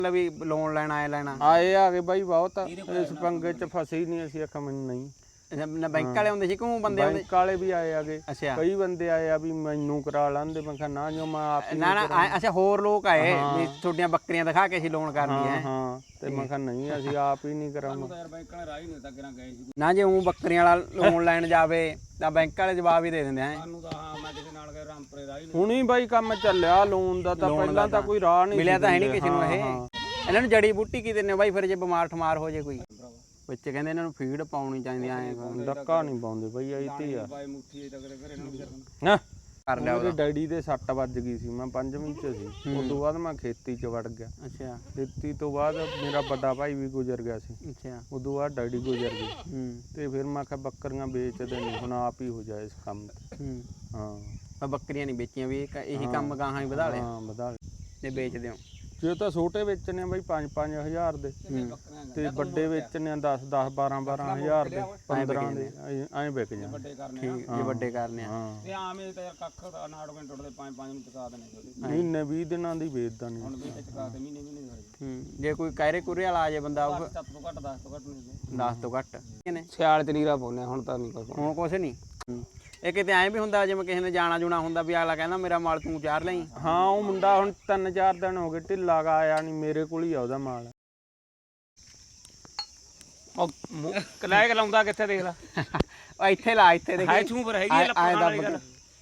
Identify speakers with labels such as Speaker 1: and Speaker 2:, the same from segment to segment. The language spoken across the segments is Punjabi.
Speaker 1: ਵੀ ਲੋਨ ਲੈਣਾ ਲੈਣਾ
Speaker 2: ਆਏ ਆ ਗਏ ਬਾਈ ਬਹੁਤ ਇਸ ਪੰਗੇ ਚ ਫਸੇ ਹੀ ਨਹੀਂ ਅਸੀਂ ਆਖਾਂ ਮੈਨੂੰ ਨਹੀਂ
Speaker 1: ਨਾ ਬੈਂਕ ਵਾਲੇ ਹੁੰਦੇ ਸੀ ਕਿਉਂ ਬੰਦੇ ਆਉਂਦੇ
Speaker 2: ਬੈਂਕ ਵਾਲੇ ਵੀ ਆਏ ਆਗੇ
Speaker 1: ਅੱਛਾ
Speaker 2: ਕਈ ਬੰਦੇ ਆਏ ਆ ਵੀ ਮੈਨੂੰ ਕਰਾ ਲੈਂਦੇ ਮੈਂ ਕਿਹਾ ਨਾ ਜੋ ਮੈਂ ਆਪ ਹੀ
Speaker 1: ਨਾ ਨਾ ਅੱਛਾ ਹੋਰ ਲੋਕ ਆਏ ਵੀ ਤੁਹਾਡੀਆਂ ਬੱਕਰੀਆਂ ਦਿਖਾ ਕੇ ਅਸੀਂ ਲੋਨ ਕਰਨੀ ਹੈ
Speaker 2: ਹਾਂ ਤੇ ਮੈਂ ਕਿਹਾ ਨਹੀਂ ਅਸੀਂ ਆਪ ਹੀ ਨਹੀਂ ਕਰਾਂਗੇ
Speaker 1: ਨਾ ਜੇ ਉਹ ਬੱਕਰੀਆਂ ਵਾਲਾ ਲੋਨ ਲੈਣ ਜਾਵੇ ਤਾਂ ਬੈਂਕ ਵਾਲੇ ਜਵਾਬ ਹੀ ਦੇ ਦਿੰਦੇ ਆ
Speaker 2: ਹੁਣੀ ਬਾਈ ਕੰਮ ਚੱਲਿਆ ਲੋਨ ਦਾ ਤਾਂ ਪਹਿਲਾਂ ਤਾਂ ਕੋਈ ਰਾਹ ਨਹੀਂ
Speaker 1: ਮਿਲਿਆ ਤਾਂ ਹੈ ਨਹੀਂ ਕਿਸੇ ਨੂੰ ਇਹ ਇਹਨਾਂ ਨੂੰ ਜੜੀ ਬੂਟੀ ਕੀ ਦਿੰਦੇ ਬਾਈ ਫਿਰ ਜੇ ਬਿਮਾਰ ਠਮਾਰ ਹੋ ਜੇ ਕੋਈ ਵਿੱਚ ਕਹਿੰਦੇ ਇਹਨਾਂ ਨੂੰ ਫੀਡ ਪਾਉਣੀ ਚਾਹੀਦੀ ਐ
Speaker 2: ਡੱਕਾ ਨਹੀਂ ਪਾਉਂਦੇ ਬਈ ਆਈ ਤੇ ਆ ਨਾ
Speaker 1: ਕਰ ਲਿਆ
Speaker 2: ਮੇਰੇ ਡੈਡੀ ਦੇ ਸੱਟ ਵੱਜ ਗਈ ਸੀ ਮੈਂ 5ਵੀਂ ਚ ਸੀ ਉਸ ਤੋਂ ਬਾਅਦ ਮੈਂ ਖੇਤੀ ਚ ਵੜ ਗਿਆ
Speaker 1: ਅੱਛਾ
Speaker 2: ਖੇਤੀ ਤੋਂ ਬਾਅਦ ਮੇਰਾ ਵੱਡਾ ਭਾਈ ਵੀ ਗੁਜ਼ਰ ਗਿਆ ਸੀ
Speaker 1: ਅੱਛਾ
Speaker 2: ਉਸ ਤੋਂ ਬਾਅਦ ਡੈਡੀ ਗੁਜ਼ਰ ਗਏ ਤੇ ਫਿਰ ਮੈਂ ਕਿਹਾ ਬੱਕਰੀਆਂ ਵੇਚਦੇ ਨਹੀਂ ਹੁਣ ਆਪ ਹੀ ਹੋ ਜਾਏ ਇਸ ਕੰਮ ਤੇ
Speaker 1: ਹਾਂ ਬੱਕਰੀਆਂ ਨਹੀਂ ਵੇਚੀਆਂ ਵੀ ਇਹੀ ਕੰਮ ਗਾਹਾਂ ਹੀ ਵਧਾ ਲਿਆ
Speaker 2: ਹਾਂ ਵਧਾ
Speaker 1: ਤੇ ਵੇਚਦੇ ਹੋ
Speaker 2: ਜੇ ਤਾਂ ਛੋਟੇ ਵੇਚਣੇ ਬਈ 5-5000 ਦੇ ਤੇ ਵੱਡੇ ਵੇਚਣੇ 10-10 12-12 ਦੇ 15 ਦੇ ਐਂ ਵਿਕ ਜਾਣ
Speaker 1: ਠੀਕ ਜੇ ਵੱਡੇ ਕਰਨੇ ਆ
Speaker 3: ਤੇ ਆਮ ਇਹ ਤਾਂ ਯਾਰ ਕੱਖ ਦਾ ਨਾੜਵੇਂ ਟੁੱਟਦੇ 5-5 ਨੂੰ ਚੁਕਾ ਦੇਣੇ
Speaker 2: ਮਹੀਨੇ 20 ਦਿਨਾਂ ਦੀ ਵੇਚਦਾ ਨਹੀਂ
Speaker 3: ਹੁਣ ਵੀ ਚੁਕਾ ਦੇ ਮਹੀਨੇ
Speaker 1: ਜੇ ਕੋਈ ਕਾਇਰੇ ਕੁਰੇ ਵਾਲਾ ਆ ਜੇ ਬੰਦਾ
Speaker 3: 7 ਤੋਂ ਘੱਟ 10 ਤੋਂ ਘੱਟ ਨਹੀਂ
Speaker 1: 10 ਤੋਂ ਘੱਟ ਕਿਨੇ
Speaker 3: ਸਿਆਲ ਚ ਨੀਰਾ ਪਾਉਨੇ ਹੁਣ ਤਾਂ ਨਹੀਂ ਕੋਈ
Speaker 1: ਹੁਣ ਕੁਛ ਨਹੀਂ ਇਹ ਕਿਤੇ ਐਂ ਵੀ ਹੁੰਦਾ ਜਿਵੇਂ ਕਿਸੇ ਨੇ ਜਾਣਾ ਜੁਣਾ ਹੁੰਦਾ ਵੀ ਅਗਲਾ ਕਹਿੰਦਾ ਮੇਰਾ ਮਾਲ ਤੂੰ ਚਾਰ ਲਈ
Speaker 2: ਹਾਂ ਉਹ ਮੁੰਡਾ ਹੁਣ 3-4 ਦਿਨ ਹੋ ਗਏ ਢਿੱਲਾ ਗਾ ਆਇਆ ਨਹੀਂ ਮੇਰੇ ਕੋਲ ਹੀ ਆ ਉਹਦਾ ਮਾਲ
Speaker 3: ਉਹ ਕਲਾਇ ਲਾਉਂਦਾ ਕਿੱਥੇ ਦੇਖ ਲੈ
Speaker 1: ਉਹ ਇੱਥੇ ਲਾ ਇੱਥੇ ਦੇਖ
Speaker 3: ਹਾਈ ਤੂੰ ਪਰ ਹੈਗੀ ਲੱਪਾਂ ਵਾਲੀ ਗੱਲ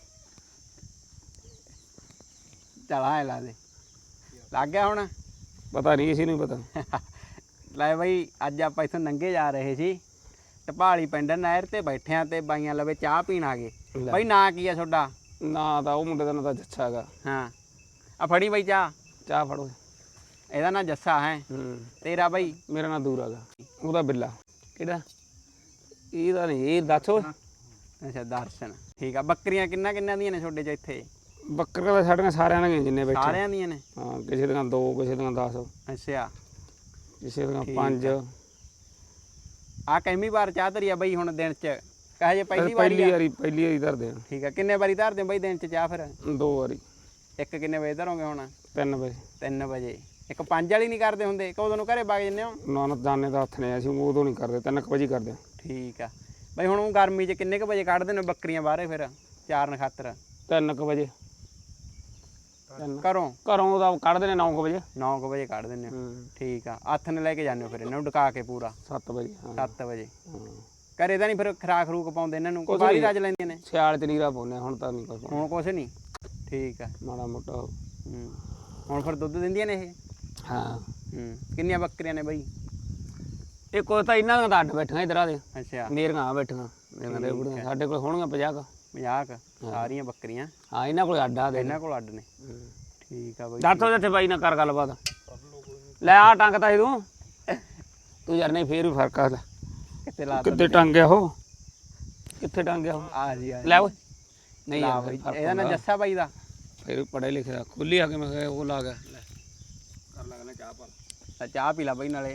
Speaker 1: ਚਲ ਆਏ ਲਾ ਦੇ ਲੱਗ ਗਿਆ ਹੁਣ
Speaker 3: ਪਤਾ ਨਹੀਂ ਇਸੇ ਨੂੰ ਪਤਾ
Speaker 1: ਲੈ ਬਈ ਅੱਜ ਆਪਾਂ ਇੱਥੋਂ ਨੰਗੇ ਜਾ ਰਹੇ ਸੀ ਢਪਾਲੀ ਪਿੰਡ ਨਹਿਰ ਤੇ ਬੈਠਿਆਂ ਤੇ ਬਾਈਆਂ ਲਵੇ ਚਾਹ ਪੀਣ ਆ ਗਏ ਬਈ ਨਾਂ ਕੀ ਆ ਤੁਹਾਡਾ
Speaker 3: ਨਾ ਤਾਂ ਉਹ ਮੁੰਡੇ ਦਾ ਨਾਂ ਤਾਂ ਜੱਸਾ ਹੈਗਾ
Speaker 1: ਹਾਂ ਆ ਫੜੀ ਬਈ ਚਾਹ
Speaker 3: ਫੜੋ
Speaker 1: ਇਹਦਾ ਨਾਂ ਜੱਸਾ ਹੈ ਤੇਰਾ ਬਈ
Speaker 3: ਮੇਰਾ ਨਾਂ ਦੂਰ ਹੈਗਾ ਉਹਦਾ ਬਿੱਲਾ ਕਿਹੜਾ ਇਹਦਾ ਨਹੀਂ ਇਹ ਦੱਸ ਓਏ
Speaker 1: ਅੱਛਾ ਦਰਸ਼ਨ ਠੀਕ ਆ ਬੱਕਰੀਆਂ ਕਿੰਨਾ ਦੀਆਂ ਨੇ ਤੁਹਾਡੇ ਚ ਇੱਥੇ
Speaker 3: ਬੱਕਰੀਆਂ ਤਾਂ ਸਾਡੀਆਂ ਸਾਰਿਆਂ ਦੀਆਂ ਜਿੰਨੇ ਬੈਠੇ
Speaker 1: ਸਾਰਿਆਂ ਦੀਆਂ ਨੇ
Speaker 3: ਹਾਂ ਕਿਸੇ ਦੀਆਂ 2 ਕਿਸੇ ਦੀਆਂ 10
Speaker 1: ਅੱਛਾ
Speaker 3: ਕਿਸੇ ਦੀਆਂ 5
Speaker 1: ਆ ਕਿੰਨੀ ਵਾਰ ਚਾਹ ਧਰੀ ਆ ਬਈ ਹੁਣ ਦਿਨ ਚ ਕਹੇ ਜੇ ਪਹਿਲੀ ਵਾਰੀ
Speaker 3: ਧਰਦੇ ਆ
Speaker 1: ਠੀਕ ਆ ਕਿੰਨੇ ਵਾਰੀ ਧਰਦੇ ਬਈ ਦਿਨ ਚ ਚਾਹ ਫਿਰ
Speaker 3: 2 ਵਾਰੀ
Speaker 1: ਇੱਕ ਕਿੰਨੇ ਵਜੇ ਧਰੋਗੇ ਹੁਣ
Speaker 3: 3 ਵਜੇ
Speaker 1: 3 ਵਜੇ ਇੱਕ 5 ਵਾਲੀ ਨਹੀਂ ਕਰਦੇ ਹੁੰਦੇ ਕਦੋਂ ਨੂੰ ਘਰੇ ਵਗ ਜੰਨੇ ਹੋ
Speaker 3: ਨਾ ਦਾਨੇ ਦਾ ਹੱਥ ਨੇ ਅਸੀਂ ਉਦੋਂ ਨਹੀਂ ਕਰਦੇ 3 ਵਜੇ ਕਰਦੇ
Speaker 1: ਠੀਕ ਆ ਬਈ ਹੁਣ ਗਰਮੀ ਚ ਕਿੰਨੇ ਕ ਵਜੇ ਕੱਢਦੇ ਨੇ ਬੱਕਰੀਆਂ ਬਾਹਰੇ ਫਿਰ ਚਾਰਨ ਖਾਤਰ
Speaker 3: 3 ਵਜੇ
Speaker 1: ਘਰੋਂ
Speaker 3: ਉਹਦਾ ਕੱਢਦੇ ਨੇ 9 ਵਜੇ
Speaker 1: 9 ਵਜੇ ਕੱਢ ਦਿੰਦੇ ਠੀਕ ਆ ਹੱਥ ਨੇ ਲੈ ਕੇ ਜਾਂਦੇ ਹੋ ਫਿਰ ਇਹਨਾਂ ਨੂੰ ਡਕਾ ਕੇ ਪੂਰਾ
Speaker 3: 7 ਵਜੇ
Speaker 1: 7 ਵਜੇ ਘਰੇ ਤਾਂ ਨਹੀਂ ਫਿਰ ਖਰਾਕ ਖਰੂਕ ਪਾਉਂਦੇ ਇਹਨਾਂ ਨੂੰ ਬਾਹਰੀ ਰੱਜ ਲੈਂਦੀਆਂ ਨੇ
Speaker 3: ਸਿਆਲ ਚ ਨੀਰਾ ਪਾਉਂਦੇ ਹੁਣ ਤਾਂ ਨਹੀਂ ਕੋਈ
Speaker 1: ਹੁਣ ਕੁਛ ਨਹੀਂ ਠੀਕ ਆ
Speaker 3: ਮਾੜਾ ਮੋਟਾ
Speaker 1: ਹੁਣ ਫਿਰ ਦੁੱਧ ਦਿੰਦੀਆਂ ਨੇ ਇਹ
Speaker 3: ਹਾਂ
Speaker 1: ਕਿੰਨੀਆਂ ਬੱਕਰੀਆਂ ਨੇ ਬਈ
Speaker 3: ਇਹ ਕੋਈ ਤਾਂ ਇਹਨਾਂ ਦਾ ਅੱਡ ਬੈਠੀਆਂ ਇਧਰ ਆ ਦੇ
Speaker 1: ਅੱਛਾ
Speaker 3: ਮੇਰੀਆਂ ਆ ਬੈਠੀਆਂ ਮੇਰੀਆਂ ਦੇ ਬੁੜੀਆਂ ਸਾਡੇ ਕੋਲ ਹੋਣਗੀਆਂ 50
Speaker 1: 50 ਸਾਰੀਆਂ ਬੱਕਰੀਆਂ
Speaker 3: ਹਾਂ ਇਹਨਾਂ ਕੋਲ ਅੱਡ ਆ ਦੇ
Speaker 1: ਇਹਨਾਂ ਕੋਲ ਅੱਡ ਨੇ ਠੀਕ ਆ ਬਈ
Speaker 3: ਦੱਸੋ ਜਿੱਥੇ ਬਾਈ ਨਾਲ ਕਰ ਗੱਲਬਾਤ ਲੈ ਆ ਟੰਗਤਾ ਸੀ ਤੂੰ ਯਾਰ ਨਹੀਂ ਫੇਰ ਵੀ ਫਰਕ ਆ
Speaker 1: ਕਿੱਥੇ ਲਾ
Speaker 3: ਕਿੱਥੇ ਟੰਗਿਆ ਉਹ ਕਿੱਥੇ ਟੰਗਿਆ ਉਹ
Speaker 1: ਆ ਜੀ
Speaker 3: ਲੈ ਓਏ ਨਹੀਂ
Speaker 1: ਲਾ ਬਈ ਇਹਦਾ ਨਾਂ ਜੱਸਾ ਬਾਈ ਦਾ
Speaker 3: ਫਿਰ ਪੜ੍ਹੇ ਲਿਖੇ ਦਾ ਖੁੱਲੀ ਆ ਕੇ ਮੈਂ ਕਿਹਾ ਉਹ ਲਾ ਗਿਆ ਲੈ ਕਰ ਲੱਗਣਾ ਚਾਹ ਪਾ
Speaker 1: ਚਾਹ ਪੀ ਲਾ ਬਈ ਨਾਲੇ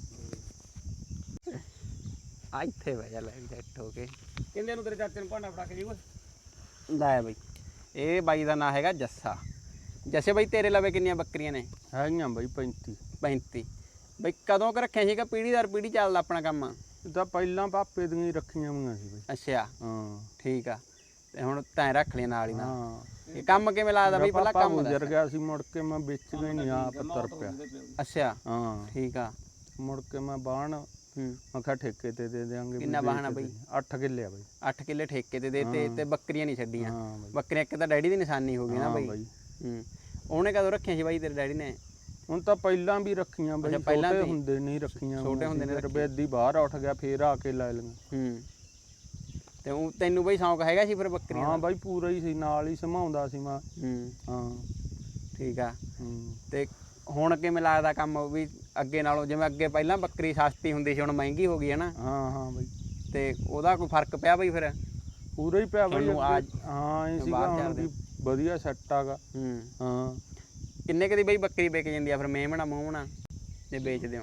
Speaker 1: ਆ ਇੱਥੇ ਬਹਿ ਜਾ ਲੈ ਸੈੱਟ ਹੋ ਕੇ
Speaker 3: ਕਹਿੰਦੇ ਨੂੰ ਤੇਰੇ ਚਾਚੇ ਨੂੰ ਭਾਂਡਾ ਫੜਾ ਕੇ ਜੀ ਓਏ
Speaker 1: ਲੈ ਬਈ ਇਹ ਬਾਈ ਦਾ ਨਾਂ ਹੈਗਾ ਜੱਸਾ ਜੱਸੇ ਬਈ ਤੇਰੇ ਲਵੇ ਕਿੰਨੀਆਂ ਬੱਕਰੀਆਂ ਨੇ
Speaker 2: ਹੈਗੀਆਂ ਬਈ 35
Speaker 1: ਬਈ ਕਦੋਂ ਕ ਰੱਖਿਆ ਸੀਗਾ ਪੀੜੀ ਦਰ ਪੀੜੀ ਚੱਲਦਾ ਆਪਣਾ ਕੰਮ
Speaker 2: ਇਹ ਤਾਂ ਪਹਿਲਾਂ ਪਾਪੇ ਦੀਆਂ ਹੀ ਰੱਖੀਆਂ ਹੋਈਆਂ ਸੀ ਬਈ
Speaker 1: ਅੱਛਾ
Speaker 2: ਹਾਂ
Speaker 1: ਠੀਕ ਆ ਤੇ ਹੁਣ ਤੈਂ ਰੱਖ ਲਿਆ ਨਾਲ ਹੀ ਨਾ
Speaker 2: ਹਾਂ
Speaker 1: ਇਹ ਕੰਮ ਕਿਵੇਂ ਲੱਗਦਾ ਬਈ ਪਹਿਲਾਂ ਕੰਮ
Speaker 2: ਗੁਜ਼ਰ ਗਿਆ ਸੀ ਮੁੜ ਕੇ ਮੈਂ ਵੇਚ ਗਈ ਨਹੀਂ ਆਪ ਤੁਰ ਪਿਆ
Speaker 1: ਅੱਛਾ
Speaker 2: ਹਾਂ
Speaker 1: ਠੀਕ ਆ
Speaker 2: ਮੁੜ ਕੇ ਮੈਂ ਬਾਣ ਮੈਂ ਕਿਹਾ ਠੇਕੇ ਤੇ ਦੇ ਦੇਾਂਗੇ
Speaker 1: ਕਿੰਨਾ ਬਾਹਣਾ ਬਈ
Speaker 2: 8 ਕਿੱਲੇ ਆ ਬਈ
Speaker 1: 8 ਕਿੱਲੇ ਠੇਕੇ ਤੇ ਦੇਤੇ ਤੇ ਬੱਕਰੀਆਂ ਨਹੀਂ ਛੱਡੀਆਂ ਬੱਕਰੀਆਂ ਇੱਕ ਤਾਂ ਡੈਡੀ ਦੀ ਨਿਸ਼ਾਨੀ ਹੋ ਗਈ ਨਾ ਬਈ ਉਹਨੇ ਕਦੋਂ ਰੱਖਿਆ ਸੀ ਬਾਈ ਤੇਰੇ ਡੈਡੀ ਨੇ
Speaker 2: ਹੁਣ ਤਾਂ ਪਹਿਲਾਂ ਵੀ ਰੱਖੀਆਂ ਬਈ ਛੋਟੇ ਹੁੰਦੇ ਨਹੀਂ ਰੱਖੀਆਂ
Speaker 1: ਛੋਟੇ ਹੁੰਦੇ ਨੇ
Speaker 2: ਰਬੇਦੀ ਬਾਹਰ ਉੱਠ ਗਿਆ ਫੇਰ ਆ ਕੇ ਲੈ ਲਈਆਂ
Speaker 1: ਤੇ ਉਹ ਤੈਨੂੰ ਬਈ ਸ਼ੌਂਕ ਹੈਗਾ ਸੀ ਫਿਰ ਬੱਕਰੀਆਂ
Speaker 2: ਹਾਂ ਬਾਈ ਪੂਰਾ ਹੀ ਸੀ ਨਾਲ ਹੀ ਸੰਭਾਉਂਦਾ ਸੀ ਮੈਂ ਹਾਂ
Speaker 1: ਠੀਕ ਆ ਤੇ ਹੁਣ ਕਿਵੇਂ ਲੱਗਦਾ ਕੰਮ ਵੀ ਅੱਗੇ ਨਾਲੋਂ ਜਿਵੇਂ ਅੱਗੇ ਪਹਿਲਾਂ ਬੱਕਰੀ ਸਸਤੀ ਹੁੰਦੀ ਸੀ ਹੁਣ ਮਹਿੰਗੀ ਹੋ ਗਈ ਹੈ ਨਾ
Speaker 2: ਹਾਂ ਬਈ
Speaker 1: ਤੇ ਉਹਦਾ ਕੋਈ ਫਰਕ ਪਿਆ ਬਈ ਫਿਰ
Speaker 2: ਪੂਰਾ ਹੀ ਪਿਆ ਬਈ ਹਾਂ ਇਹ ਸੀਗਾ ਹੁਣ ਵੀ ਵਧੀਆ ਸੈੱਟ ਆਗਾ ਹਾਂ
Speaker 1: ਕਿੰਨੇ ਕਦੀ ਬਈ ਬੱਕਰੀ ਵਿਕ ਜਾਂਦੀ ਆ ਫਿਰ ਮੇਮਣਾ ਮੂਹਣਾ ਜੇ ਵੇਚਦੇ ਹੋ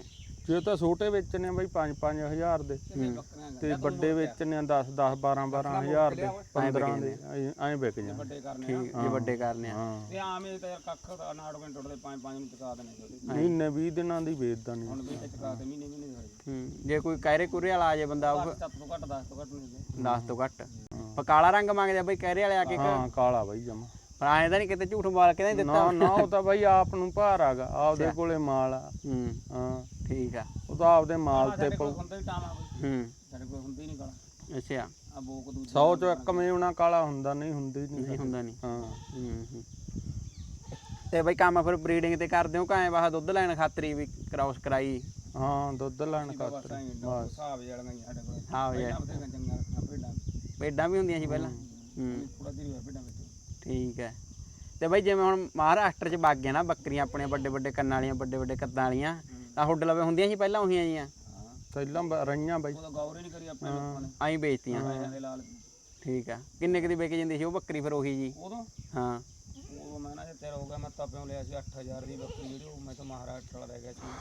Speaker 2: ਜੇ ਤਾਂ ਛੋਟੇ ਵੇਚਣੇ ਆ ਬਾਈ 5-5000 ਦੇ ਤੇ ਵੱਡੇ ਵੇਚਣੇ ਆ 10-10 12-12000 ਦੇ 15 ਦੇ ਐਂ ਵਿਕ ਜਾਂਦੇ।
Speaker 3: ਵੱਡੇ ਕਰਨੇ
Speaker 1: ਠੀਕ ਜੇ ਵੱਡੇ ਕਰਨੇ ਆ
Speaker 2: ਹਾਂ
Speaker 3: ਤੇ ਆਮ ਇਹ ਤਾਂ ਯਾਰ ਕੱਖ ਦਾ ਨਾੜ ਕੇ ਟੁੱਟਦੇ 5-5 ਨੂੰ ਚੁਕਾ ਦੇਣੇ ਛੋਟੇ
Speaker 2: ਮਹੀਨੇ 20 ਦਿਨਾਂ ਦੀ ਵੇਚਦਾ ਨਹੀਂ।
Speaker 3: ਹੁਣ ਵੀ ਤੇ ਚੁਕਾ ਦੇ ਮਹੀਨੇ ਦੇ ਹੋਏ
Speaker 1: ਜੇ ਕੋਈ ਕਹਿਰੇ ਕੁਰੇ ਵਾਲਾ ਆ ਜੇ ਬੰਦਾ ਉਹ
Speaker 3: 7 ਤੋਂ ਘੱਟ 10 ਤੋਂ ਘੱਟ ਨਹੀਂ
Speaker 1: 10 ਤੋਂ ਘੱਟ ਪਰ ਕਾਲਾ ਰੰਗ ਮੰਗਦੇ ਆ ਬਈ ਕਹਿਰੇ ਵਾਲੇ ਆ ਕੇ
Speaker 2: ਹਾਂ ਕਾਲਾ ਬਾਈ ਜਮਾ।
Speaker 1: ਪਰ ਐਂ ਤਾਂ ਨਹੀਂ ਕਿਤੇ ਝੂਠ ਮਾਰ ਕੇ ਤਾਂ ਨਹੀਂ ਦਿੱਤਾ
Speaker 2: ਨਾ ਉਹ ਤਾਂ ਬਾਈ ਆਪ ਨੂੰ ਭਾਰ ਆਗਾ ਆਪਦੇ ਕੋਲੇ ਮਾਲ ਆ। ਹਾਂ
Speaker 1: ਠੀਕ ਆ
Speaker 2: ਉਹ ਤਾਂ ਆਪਦੇ ਮਾਲ ਤੇ
Speaker 3: ਹੁੰਦਾ ਹੀ ਟਾਮਾ ਬਈ ਸਾਡੇ ਕੋਲ ਹੁੰਦੀ ਨਹੀਂ ਕਾਲਾ
Speaker 1: ਅੱਛਾ
Speaker 3: ਆ ਬੋਕ ਦੂਜੀ
Speaker 2: 100 ਚੋਂ ਇੱਕ ਮੇਵਣਾ ਕਾਲਾ ਹੁੰਦਾ ਨਹੀਂ ਹੁੰਦੀ ਨਹੀਂ
Speaker 1: ਹੁੰਦਾ ਨਹੀਂ
Speaker 2: ਹਾਂ
Speaker 1: ਤੇ ਬਈ ਕੰਮ ਫਿਰ ਬਰੀਡਿੰਗ ਤੇ ਕਰਦੇ ਹੋ ਕਾਏ ਬਾਹ ਦੁੱਧ ਲੈਣ ਖਾਤਰੀ ਵੀ ਕ੍ਰਾਸ ਕਰਾਈ
Speaker 2: ਹਾਂ ਦੁੱਧ ਲੈਣ ਖਾਤਰ ਬਸ
Speaker 3: ਹਿਸਾਬ ਵਾਲੀਆਂ ਸਾਡੇ ਕੋਲ
Speaker 1: ਹਾਂ ਯਾਰ
Speaker 3: ਬਥੇਰੀਆਂ ਚੰਗਾ ਰੱਖਣਾ ਭੇਡਾਂ
Speaker 1: ਭੇਡਾਂ ਵੀ ਹੁੰਦੀਆਂ ਸੀ ਪਹਿਲਾਂ
Speaker 3: ਥੋੜਾ ਜਿਹੀ ਭੇਡਾਂ ਵਿੱਚ
Speaker 1: ਠੀਕ ਹੈ ਤੇ ਬਈ ਜਿਵੇਂ ਹੁਣ ਮਹਾਰਾਸ਼ਟਰ ਚ ਵਗ ਗਿਆ ਨਾ ਬੱਕਰੀਆਂ ਆਪਣੇ ਵੱਡੇ ਵੱਡੇ ਕੰਨਾਂ ਵਾਲੀਆਂ ਵੱਡੇ ਵੱਡੇ ਕੱਦਾਂ ਵਾਲੀਆਂ ਤਾਂ ਹੁੱਡ ਲਵੇ ਹੁੰਦੀਆਂ ਸੀ ਪਹਿਲਾਂ ਉਹੀਆਂ ਜੀਆਂ
Speaker 2: ਪਹਿਲਾਂ ਰਹੀਆਂ ਬਾਈ
Speaker 3: ਉਹਦਾ ਗੌਰ ਹੀ ਨਹੀਂ ਕਰੀ ਆਪਣੇ ਲੋਕਾਂ ਨੇ
Speaker 1: ਆਈ ਵੇਚਤੀਆਂ
Speaker 3: ਪੈਸਿਆਂ ਦੇ ਲਾਲ
Speaker 1: ਠੀਕ ਆ ਕਿੰਨੇ ਕੁ ਦੀ ਵਿਕ ਜਾਂਦੀ ਸੀ ਉਹ ਬੱਕਰੀ ਫਿਰ ਉਹੀ ਜੀ
Speaker 3: ਉਦੋਂ
Speaker 1: ਹਾਂ
Speaker 3: ਉਹ ਮੈਂ ਨਾ ਜੇ ਤੇਰਾ ਹੋ ਗਿਆ ਮੈਂ ਤਾਂ ਪਿਓ ਲਿਆ ਸੀ 8000 ਦੀ ਬੱਕਰੀ ਜਿਹੜੀ ਉਹ ਮੈਂ ਤਾਂ ਮਹਾਰਾਸ਼ਟਰ ਵਾਲਾ ਰਹਿ ਗਿਆ ਸੀ